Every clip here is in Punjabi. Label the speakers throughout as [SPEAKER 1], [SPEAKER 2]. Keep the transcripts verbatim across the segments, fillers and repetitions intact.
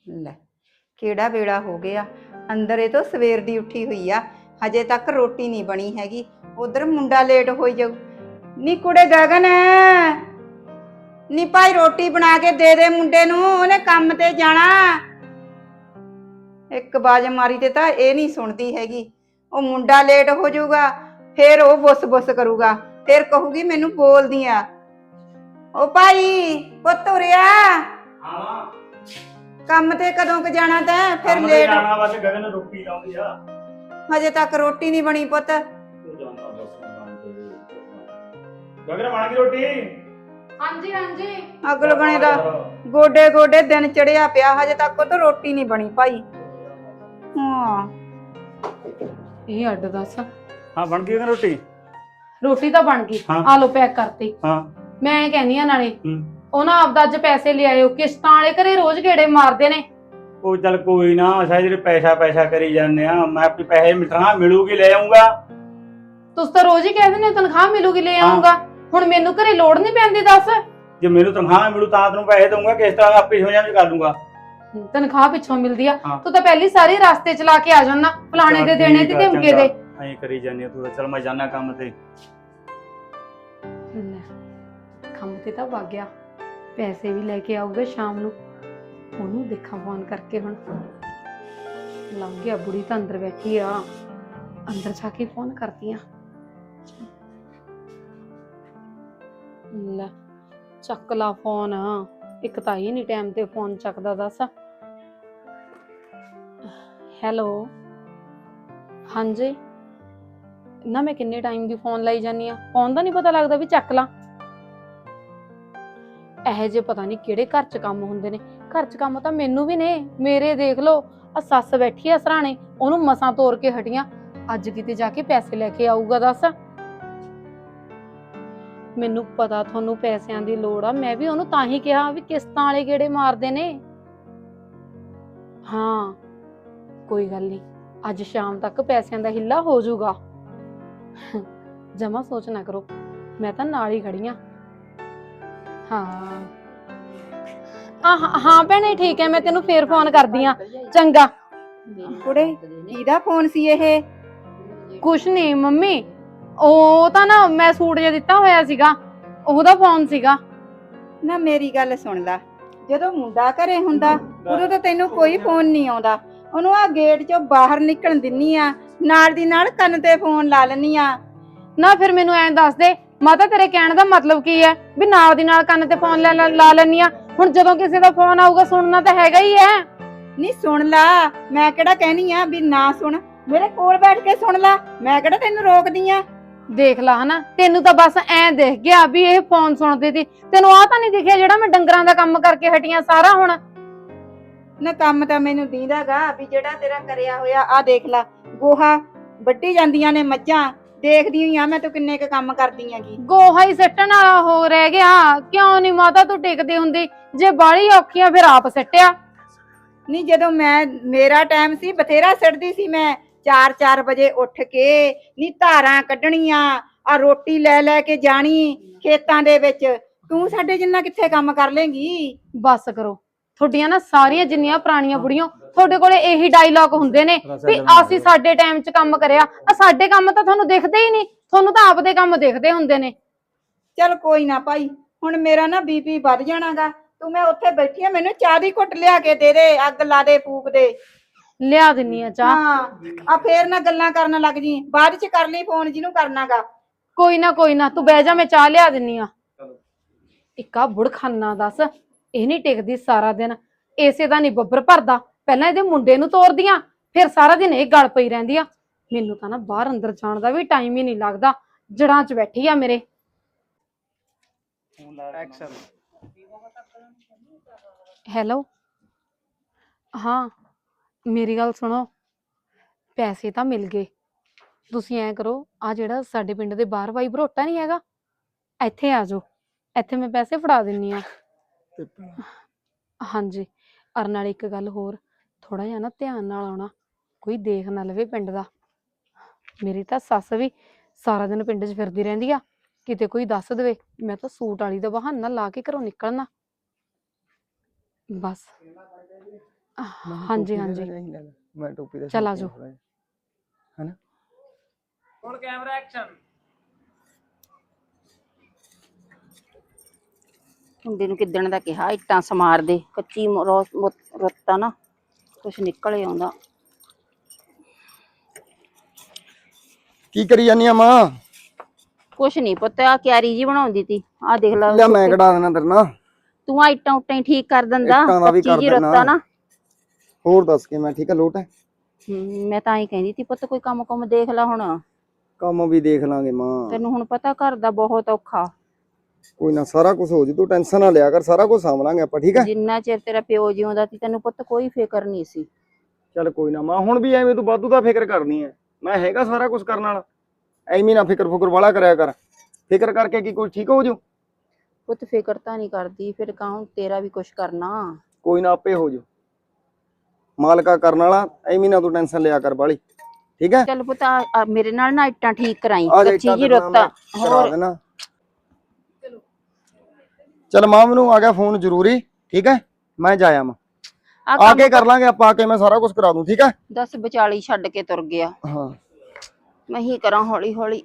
[SPEAKER 1] ਲੈ ਕਿਹੜਾ ਵੇਲਾ ਹੋ ਗਿਆ। ਅੰਦਰ ਇਹ ਤੋਂ ਸਵੇਰ ਦੀ ਉੱਠੀ ਹੋਈ ਆ, ਹਜੇ ਤੱਕ ਰੋਟੀ ਨਹੀਂ ਬਣੀ ਹੈਗੀ। ਉਧਰ ਮੁੰਡਾ ਲੇਟ ਹੋਈ ਜਾਊ। ਨੀ ਕੁੜੇ ਗਗਨ, ਨੀ ਭਾਈ ਰੋਟੀ ਬਣਾ ਕੇ ਦੇ ਦੇ ਮੁੰਡੇ ਨੂੰ, ਉਹਨੇ ਕੰਮ ਤੇ ਜਾਣਾ। ਇੱਕ ਬਾਜ ਮਾਰੀ ਤੇ ਤਾਂ ਇਹ ਨਹੀਂ ਸੁਣਦੀ ਹੈਗੀ। ਉਹ ਮੁੰਡਾ ਲੇਟ ਹੋ ਜਾਊਗਾ, ਫੇਰ ਉਹ ਬੁੱਸ ਬੁੱਸ ਕਰੂਗਾ, ਫੇਰ ਕਹੂਗੀ ਮੈਨੂੰ ਬੋਲਦੀ ਆ। ਉਹ ਭਾਈ ਪੁੱਤ ਉਰਿਆ,
[SPEAKER 2] ਹਾਂ
[SPEAKER 1] ਕੰਮ ਤੇ ਕਦੋਂ ਕ ਜਾਣਾ ਤੈਂ? ਫਿਰ
[SPEAKER 2] ਕੰਮ ਤੇ
[SPEAKER 1] ਲੇਟ
[SPEAKER 2] ਜਾਣਾ, ਬਸ ਗਗਨ ਰੋਟੀ ਲਾਉਂਦੀ ਆ।
[SPEAKER 1] ਹਜੇ ਤੱਕ ਰੋਟੀ ਨਹੀਂ ਬਣੀ ਪੁੱਤ।
[SPEAKER 2] ਤੂੰ ਜਾਂਦਾ ਬਸ ਕੰਮ ਤੇ। ਗਗਨ ਬਣ ਗਈ ਰੋਟੀ?
[SPEAKER 3] ਹਾਂਜੀ ਹਾਂਜੀ।
[SPEAKER 1] ਅੱਗ ਲੱਗਣੇ ਦਾ ਗੋਡੇ ਗੋਡੇ ਦਿਨ ਚੜਿਆ ਪਿਆ, ਹਜੇ ਤੱਕ ਉਹ ਤਾਂ ਰੋਟੀ ਨਹੀਂ ਬਣੀ ਭਾਈ। ਹਾਂ
[SPEAKER 3] ਇਹ ਅੱਡ ਦੱਸ।
[SPEAKER 2] ਹਾਂ ਬਣ ਗਈ ਗਗਨ ਰੋਟੀ?
[SPEAKER 3] ਰੋਟੀ ਤਾਂ ਬਣ ਗਈ,
[SPEAKER 2] ਹਾਂ।
[SPEAKER 3] ਆ ਲੋ ਪੈਕ ਕਰਤੀ।
[SPEAKER 2] ਹਾਂ
[SPEAKER 3] ਮੈਂ ਕਹਿੰਦੀ ਆ ਨਾਲੇ
[SPEAKER 2] ਹੂੰ।
[SPEAKER 3] ਉਹ ਨਾ ਆਪਦਾ ਅੱਜ ਪੈਸੇ ਲਿਆਇਓ, ਕਿਸ਼ਤਾਂ ਵਾਲੇ ਘਰੇ ਰੋਜ਼ ਗੇੜੇ ਮਾਰਦੇ ਨੇ।
[SPEAKER 2] ਉਹ ਚੱਲ ਕੋਈ ਨਾ, ਅਸਾਂ ਜਿਹੜੇ ਪੈਸਾ ਪੈਸਾ ਕਰੀ ਜਾਂਦੇ ਆ, ਮੈਂ ਆਪਣੀ ਪੈਸੇ ਮਿਲਣਾ ਮਿਲੂਗੀ ਲੈ ਆਉਂਗਾ।
[SPEAKER 3] ਤੁਸੀਂ ਤਾਂ ਰੋਜ਼ ਹੀ ਕਹਿੰਦੇ ਨੇ ਤਨਖਾਹ ਮਿਲੂਗੀ ਲੈ
[SPEAKER 2] ਹਾਂ।
[SPEAKER 3] ਆਉਂਗਾ, ਹੁਣ ਮੈਨੂੰ ਘਰੇ ਲੋੜ ਨਹੀਂ ਪੈਂਦੀ ਦੱਸ।
[SPEAKER 2] ਜੇ ਮੈਨੂੰ ਤਨਖਾਹ ਮਿਲੂ ਤਾਂ ਤੈਨੂੰ ਪੈਸੇ ਦਊਂਗਾ, ਕਿਸ ਤਰ੍ਹਾਂ ਆਪੇ ਸਮਝਾਂ ਚ ਕਰ ਲੂੰਗਾ।
[SPEAKER 3] ਤਨਖਾਹ ਪਿੱਛੋਂ ਮਿਲਦੀ ਆ,
[SPEAKER 2] ਹਾਂ।
[SPEAKER 3] ਤੂੰ ਤਾਂ ਪਹਿਲੀ ਸਾਰੀ ਰਸਤੇ ਚਲਾ ਕੇ ਆ ਜਾਣਾ, ਫਲਾਣੇ ਦੇ ਦੇਣੇ ਤੇ ਧਮਕੇ ਦੇ।
[SPEAKER 2] ਐਂ ਕਰੀ ਜਾਂਦੀ ਆ ਤੂੰ ਤਾਂ। ਚੱਲ ਮੈਂ ਜਾਣਾ ਕੰਮ ਤੇ।
[SPEAKER 3] ਲੈ, ਕੰਮ ਤੇ ਤਾਂ ਵਗ ਗਿਆ, ਪੈਸੇ ਵੀ ਲੈ ਕੇ ਆਊਗਾ ਸ਼ਾਮ ਨੂੰ। ਉਹਨੂੰ ਦੇਖਾਂ ਫੋਨ ਕਰਕੇ। ਹੁਣ ਲੰਘ ਗਿਆ, ਬੁੜੀ ਤਾਂ ਅੰਦਰ ਬੈਠੀ ਆ, ਅੰਦਰ ਜਾ ਕੇ ਫੋਨ ਕਰਦੀ ਆ। ਲੈ ਚੱਕ ਲਾ ਫੋਨ, ਇੱਕ ਤਾਂ ਹੀ ਨਹੀਂ ਟਾਈਮ ਤੇ ਫੋਨ ਚੱਕਦਾ ਦੱਸ। ਹੈਲੋ, ਹਾਂਜੀ ਨਾ, ਮੈਂ ਕਿੰਨੇ ਟਾਈਮ ਦੀ ਫੋਨ ਲਾਈ ਜਾਨੀ ਆ, ਫੋਨ ਦਾ ਨਹੀਂ ਪਤਾ ਲੱਗਦਾ ਵੀ ਚੱਕ ਲਾ। ਇਹੋ ਜਿਹੇ ਪਤਾ ਨਹੀਂ ਕਿਹੜੇ ਘਰ 'ਚ ਕੰਮ ਹੁੰਦੇ ਨੇ। ਘਰ 'ਚ ਕੰਮ ਤਾਂ ਮੈਨੂੰ ਵੀ ਨੇ, ਮੇਰੇ ਦੇਖ ਲਓ। ਆ ਸੱਸ ਬੈਠੀ ਆ ਸਰਾਣੇ, ਉਹਨੂੰ ਮਸਾਂ ਤੋੜ ਕੇ ਹਟੀਆਂ, ਅੱਜ ਕਿਤੇ ਜਾ ਕੇ ਪੈਸੇ ਲੈ ਕੇ ਆਊਗਾ ਦੱਸ। ਮੈਨੂੰ ਪਤਾ ਤੁਹਾਨੂੰ ਪੈਸਿਆਂ ਦੀ ਲੋੜ ਆ, ਮੈਂ ਵੀ ਉਹਨੂੰ ਤਾਂ ਹੀ ਕਿਹਾ ਵੀ ਕਿਸ਼ਤਾਂ ਵਾਲੇ ਗੇੜੇ ਮਾਰਦੇ ਨੇ। ਹਾਂ ਕੋਈ ਗੱਲ ਨਹੀਂ, ਅੱਜ ਸ਼ਾਮ ਤੱਕ ਪੈਸਿਆਂ ਦਾ ਹਿੱਲਾ ਹੋ ਜਾਊਗਾ। ਜਮਾ ਸੋਚ ਨਾ ਕਰੋ, ਮੈਂ ਤਾਂ ਨਾਲ ਹੀ ਖੜੀ ਆ। ਹਾਂ ਹਾਂ ਹਾਂ ਭੈਣੇ ਠੀਕ ਹੈ, ਮੈਂ ਤੈਨੂੰ ਫੇਰ ਫੋਨ ਕਰਦੀ ਆ। ਚੰਗਾ।
[SPEAKER 1] ਕੁੜੇ ਕਿਹਦਾ ਫੋਨ ਸੀ ਇਹ?
[SPEAKER 3] ਕੁਛ ਨਹੀਂ ਮੰਮੀ, ਉਹ ਤਾਂ ਨਾ ਮੈਂ ਸੂਟ ਜਿਹਾ ਦਿੱਤਾ ਹੋਇਆ ਸੀਗਾ, ਉਹਦਾ ਫੋਨ ਸੀਗਾ।
[SPEAKER 1] ਨਾ ਮੇਰੀ ਗੱਲ ਸੁਣ ਲੈ, ਜਦੋਂ ਮੁੰਡਾ ਘਰੇ ਹੁੰਦਾ ਉਦੋਂ ਤਾਂ ਤੈਨੂੰ ਕੋਈ ਫੋਨ ਨਹੀਂ ਆਉਂਦਾ। ਉਹਨੂੰ ਆ ਗੇਟ ਚੋਂ ਬਾਹਰ ਨਿਕਲਣ ਦਿੰਨੀ ਆ, ਨਾਲ ਦੀ ਨਾਲ ਕੰਨ ਤੇ ਫੋਨ ਲਾ ਲੈਨੀ ਆ।
[SPEAKER 3] ਨਾ ਫਿਰ ਮੈਨੂੰ ਐਂ ਦੱਸ ਦੇ ਮਾਤਾ, ਤੇਰੇ ਕਹਿਣ ਦਾ ਮਤਲਬ ਕੀ ਹੈ ਵੀ ਨਾਲ ਦੀ ਨਾਲ ਕੰਨ ਤੇ ਫੋਨ ਲਾ ਲੈਨੀ ਆ? ਹੁਣ ਜਦੋਂ ਕਿਸੇ ਦਾ ਫੋਨ ਆਊਗਾ ਸੁਣਨਾ ਤਾਂ ਹੈਗਾ ਹੀ ਹੈ।
[SPEAKER 1] ਨਹੀਂ ਸੁਣ ਲਾ, ਮੈਂ ਕਿਹੜਾ ਕਹਿਨੀ ਆ ਵੀ ਨਾ ਸੁਣ, ਮੇਰੇ ਕੋਲ ਬੈਠ ਕੇ ਸੁਣ ਲਾ, ਮੈਂ ਕਿਹੜਾ ਤੈਨੂੰ ਰੋਕਦੀ ਆ।
[SPEAKER 3] ਦੇਖ ਲਾ ਹਨਾ, ਤੈਨੂੰ ਤਾਂ ਬਸ ਐਂ ਦਿਖ ਗਿਆ ਵੀ ਇਹ ਫੋਨ ਸੁਣਦੀ ਸੀ, ਤੈਨੂੰ ਆਹ ਤਾਂ ਨਹੀਂ ਦਿਖਿਆ ਜਿਹੜਾ ਮੈਂ ਡੰਗਰਾਂ ਦਾ ਕੰਮ ਕਰਕੇ ਹਟੀਆਂ ਸਾਰਾ। ਹੁਣ
[SPEAKER 1] ਨਾ ਕੰਮ ਤਾਂ ਮੈਨੂੰ ਦੀਂਦਾਗਾ ਵੀ ਜਿਹੜਾ ਤੇਰਾ ਕਰਿਆ ਹੋਇਆ, ਆ ਦੇਖ ਲਾ ਗੋਹਾ ਵੱਢੀ ਜਾਂਦੀਆਂ ਨੇ ਮੱਝਾਂ, ਦੇਖਦੀ ਹੋਈ ਆ ਮੈਂ ਤੂੰ ਕਿੰਨੇ ਕ ਕੰਮ ਕਰਦੀ ਹੈਗੀ।
[SPEAKER 3] ਗੋਹਾ ਹੀ ਸਿੱਟਣ ਵਾਲਾ ਹੋ ਰਹਿ ਗਿਆ, ਕਿਉਂ ਨਹੀਂ ਮਾਤਾ ਤੂੰ ਟਿਕਦੀ ਹੁੰਦੀ? ਜੇ ਬਾਹਲੀ ਔਖੀਆਂ ਫਿਰ ਆਪ ਸਿੱਟਿਆ।
[SPEAKER 1] ਨਹੀਂ ਜਦੋਂ ਮੈਂ ਮੇਰਾ ਟਾਈਮ ਸੀ ਬਥੇਰਾ ਸਿੱਟਦੀ ਸੀ ਮੈਂ, ਚਾਰ ਚਾਰ ਵਜੇ ਉੱਠ ਕੇ ਨੀ ਧਾਰਾਂ ਕੱਢਣੀਆਂ, ਆ ਰੋਟੀ ਲੈ ਲੈ ਕੇ ਜਾਣੀ ਖੇਤਾਂ ਦੇ ਵਿੱਚ। ਤੂੰ ਸਾਡੇ ਜਿੰਨਾ ਕਿੱਥੇ ਕੰਮ ਕਰ ਲੇਂਗੀ?
[SPEAKER 3] ਬਸ ਕਰੋ, ਤੁਹਾਡੀਆਂ ਨਾ ਸਾਰੀਆਂ ਜਿੰਨੀਆਂ ਪੁਰਾਣੀਆਂ ਬੁੜੀਆਂ, ਤੁਹਾਡੇ ਕੋਲੇ ਇਹੀ ਡਾਇਲੌਗ ਹੁੰਦੇ ਨੇ ਵੀ ਅਸੀਂ ਸਾਡੇ ਟਾਈਮ 'ਚ ਕੰਮ ਕਰਿਆ। ਆ ਸਾਡੇ ਕੰਮ ਤਾਂ ਤੁਹਾਨੂੰ ਦਿਖਦੇ ਹੀ ਨਹੀਂ, ਤੁਹਾਨੂੰ ਤਾਂ ਆਪਦੇ ਕੰਮ ਦਿਖਦੇ ਹੁੰਦੇ ਨੇ।
[SPEAKER 1] ਚੱਲ ਕੋਈ ਨਾ ਭਾਈ, ਹੁਣ ਮੇਰਾ ਨਾ ਬੀਪੀ ਵੱਧ ਜਾਣਾਗਾ। ਤੂੰ ਮੈਂ ਉੱਥੇ ਬੈਠੀ ਆ, ਮੈਨੂੰ ਚਾਹ ਦੀ ਘੁੱਟ ਲਿਆ ਕੇ ਦੇ ਦੇ, ਅੱਗ ਲਾ ਦੇ ਫੂਕ ਦੇ।
[SPEAKER 3] ਲਿਆ ਦਿੰਨੀ ਆ ਚਾਹ।
[SPEAKER 1] ਹਾਂ ਆ ਫੇਰ ਨਾ ਗੱਲਾਂ ਕਰਨ ਲੱਗ ਜੀ, ਬਾਅਦ ਚ ਕਰ ਲਈ ਫੋਨ ਜਿਹਨੂੰ ਕਰਨਾਗਾ।
[SPEAKER 3] ਕੋਈ ਨਾ ਕੋਈ ਨਾ, ਤੂੰ ਬਹਿ ਜਾ, ਮੈਂ ਚਾਹ ਲਿਆ ਦਿੰਨੀ ਆ। ਇੱਕਾ ਬੁੜਖਾਨਾ ਦੱਸ, ਇਹ ਨਹੀਂ ਟਿਕਦੀ ਸਾਰਾ ਦਿਨ, ਇਸੇ ਦਾ ਨਹੀਂ ਬੱਬਰ ਭਰਦਾ। ਪਹਿਲਾਂ ਇਹਦੇ ਮੁੰਡੇ ਨੂੰ ਤੋਰਦੀਆਂ, ਫਿਰ ਸਾਰਾ ਦਿਨ ਇਹ ਗਲ ਪਈ ਰਹਿੰਦੀ ਆ। ਮੈਨੂੰ ਤਾਂ ਨਾ ਬਾਹਰ ਅੰਦਰ ਜਾਣ ਦਾ ਵੀ ਟਾਈਮ ਹੀ ਨਹੀਂ ਲੱਗਦਾ, ਜੜਾਂ 'ਚ ਬੈਠੀ ਆ ਮੇਰੇ। ਹੈਲੋ, ਹਾਂ ਮੇਰੀ ਗੱਲ ਸੁਣੋ, ਪੈਸੇ ਤਾਂ ਮਿਲ ਗਏ। ਤੁਸੀਂ ਐਂ ਕਰੋ, ਆ ਜਿਹੜਾ ਸਾਡੇ ਪਿੰਡ ਦੇ ਬਾਹਰ ਬਾਈ ਭਰੋਟਾ ਨਹੀਂ ਹੈਗਾ, ਇੱਥੇ ਆ ਜਾਓ, ਇੱਥੇ ਮੈਂ ਪੈਸੇ ਫੜਾ ਦਿੰਨੀ ਆ। ਹਾਂਜੀ, ਅਰ ਨਾਲ ਇੱਕ ਗੱਲ ਹੋਰ, ਥੋੜਾ ਜਿਹਾ ਨਾ ਧਿਆਨ ਨਾਲ ਆਉਣਾ, ਕੋਈ ਦੇਖ ਨਾ ਲਵੇ ਪਿੰਡ ਦਾ। ਮੇਰੀ ਤਾਂ ਸੱਸ ਵੀ ਸਾਰਾ ਦਿਨ ਪਿੰਡ 'ਚ ਫਿਰਦੀ ਰਹਿੰਦੀ ਆ, ਕਿਤੇ ਕੋਈ ਦੱਸ ਦੇਵੇ ਮੈਂ ਤਾਂ ਸੂਟ ਵਾਲੀ ਦਾ ਬਹਾਨਾ ਲਾ ਕੇ ਘਰੋਂ ਨਿਕਲਣਾ। ਬਸ ਹਾਂਜੀ ਹਾਂਜੀ
[SPEAKER 4] ਮੈਂ ਟੋਪੀ ਦਾ
[SPEAKER 3] ਚੱਲ ਆ ਜਾਓ।
[SPEAKER 4] ਹਨਾ
[SPEAKER 2] ਹੁਣ ਕੈਮਰਾ ਐਕਸ਼ਨ।
[SPEAKER 5] ਮੁੰਡੇ ਨੂੰ ਕਿੱਦਣ ਦਾ ਕਿਹਾ ਇੱਟਾਂ ਸਮਾਰ ਦੇ, ਕੱਚੀ ਰੁੱਤ ਆ ਨਾ, ਕੁਛ ਨਿਕਲ ਹੀ ਆਉਂਦਾ।
[SPEAKER 4] ਕੀ ਕਰੀ ਜਾਨੀ ਆ ਮਾਂ?
[SPEAKER 5] ਕੁਛ ਨਹੀਂ ਪੁੱਤ, ਆ ਕਿਆਰੀ ਜੀ ਬਣਾਉਂਦੀ ਤੀ, ਆ ਦੇਖ ਲੈ।
[SPEAKER 4] ਲੈ ਮੈਂ ਕਢਾ ਦੇਣਾ ਤੇਰੇ ਨਾਲ।
[SPEAKER 5] ਤੂੰ ਆ ਇੱਟਾਂ ਉੱਟਾਂ ਹੀ ਠੀਕ ਕਰ ਦਿੰਦਾ,
[SPEAKER 4] ਇੱਟਾਂ ਦਾ ਵੀ
[SPEAKER 5] ਕੱਚੀ
[SPEAKER 4] ਕਰ
[SPEAKER 5] ਜੀ ਰੁੱਤ ਆ ਨਾ।
[SPEAKER 4] ਹੋਰ ਦੱਸ ਕੇ ਮੈਂ ਠੀਕ ਆ, ਲੋਟ ਹੈ?
[SPEAKER 5] ਹਮ, ਮੈਂ ਤਾਂ ਹੀ ਕਹਿੰਦੀ ਤੀ ਪੁੱਤ ਕੋਈ ਕੰਮ ਕੁਮ ਦੇਖ ਲੈ ਹੁਣ।
[SPEAKER 4] ਕੰਮ ਵੀ ਦੇਖ ਲਾਂਗੇ ਮਾਂ।
[SPEAKER 5] ਤੈਨੂੰ ਹੁਣ ਪਤਾ ਘਰ ਦਾ ਬਹੁਤ ਔਖਾ।
[SPEAKER 4] ਕੋਈ ਨਾ, ਸਾਰਾ ਕੁਝ ਹੋ ਜੂ, ਤੂੰ ਟੈਨਸ਼ਨ ਨਾ ਲਿਆ ਕਰ, ਸਾਰਾ ਕੁਝ ਸਾਂਭ ਲਾਂਗੇ ਆਪਾਂ, ਠੀਕ ਹੈ?
[SPEAKER 5] ਜਿੰਨਾ ਚਿਰ ਤੇਰਾ ਪਿਓ ਜਿਉਂਦਾ ਸੀ ਤੈਨੂੰ ਪੁੱਤ ਕੋਈ ਫਿਕਰ ਨਹੀਂ ਸੀ।
[SPEAKER 4] ਚੱਲ ਕੋਈ ਨਾ ਮਾਂ, ਹੁਣ ਵੀ ਐਵੇਂ ਤੂੰ ਵਾਧੂ ਦਾ ਫਿਕਰ ਕਰਨੀ ਹੈ। ਮੈਂ ਹੈਗਾ ਸਾਰਾ ਕੁਝ ਕਰਨ ਵਾਲਾ, ਐਵੇਂ ਨਾ ਫਿਕਰ ਫੁਕਰ ਵਾਲਾ ਕਰਿਆ ਕਰ। ਫਿਕਰ ਕਰਕੇ ਕੀ ਕੁਝ ਠੀਕ ਹੋ ਜੂ?
[SPEAKER 5] ਪੁੱਤ ਫਿਕਰ ਤਾਂ ਨਹੀਂ ਕਰਦੀ, ਫਿਰ ਕਹਾਂ ਤੇਰਾ ਵੀ ਕੁਛ ਕਰਨਾ।
[SPEAKER 4] ਕੋਈ ਨਾ, ਆਪੇ ਹੋ ਜੂ, ਮਾਲਕਾ ਕਰਨ ਵਾਲਾ। ਐਵੇਂ ਨਾ ਤੂੰ ਟੈਨਸ਼ਨ ਲਿਆ ਕਰ ਬਾਲੀ, ਠੀਕ ਹੈ?
[SPEAKER 5] ਚੱਲ ਪੁੱਤ ਆ- ਆ ਮੇਰੇ ਨਾਲ ਨਾ ਇੱਟਾਂ ਠੀਕ ਕਰਾਈ,
[SPEAKER 4] ਆ ਜਾ
[SPEAKER 5] ਕੱਚੀ
[SPEAKER 4] ਇੱਟਾਂ
[SPEAKER 5] ਜੀ
[SPEAKER 4] ਤੇਰੇ ਨਾਲ
[SPEAKER 5] ਰੁੱਤ
[SPEAKER 4] ਮੈਂ
[SPEAKER 5] ਆ।
[SPEAKER 4] ਕਰਾ
[SPEAKER 5] ਹੋਰ
[SPEAKER 4] ਦੇਣਾ। ਚੱਲ ਮਾਂ, ਮੈਨੂੰ ਆ ਗਿਆ ਫੋਨ ਜ਼ਰੂਰੀ, ਠੀਕ ਹੈ? ਮੈਂ ਜਾਇਆ ਮਾਂ,
[SPEAKER 5] ਆ
[SPEAKER 4] ਆ
[SPEAKER 5] ਕੰਮ
[SPEAKER 4] ਕੇ ਕਰ ਲਾਂਗੇ ਆਪਾਂ, ਆ ਕੇ ਮੈਂ ਸਾਰਾ ਕੁਝ ਕਰਾ ਦੂੰ, ਠੀਕ ਹੈ?
[SPEAKER 5] ਦਸ ਵਿਚਾਲੀ ਛੱਡ ਕੇ ਤੁਰ ਗਿਆ।
[SPEAKER 4] ਹਾਂ
[SPEAKER 5] ਮੈਂ ਹੀ ਕਰਾਂ ਹੌਲੀ ਹੌਲੀ।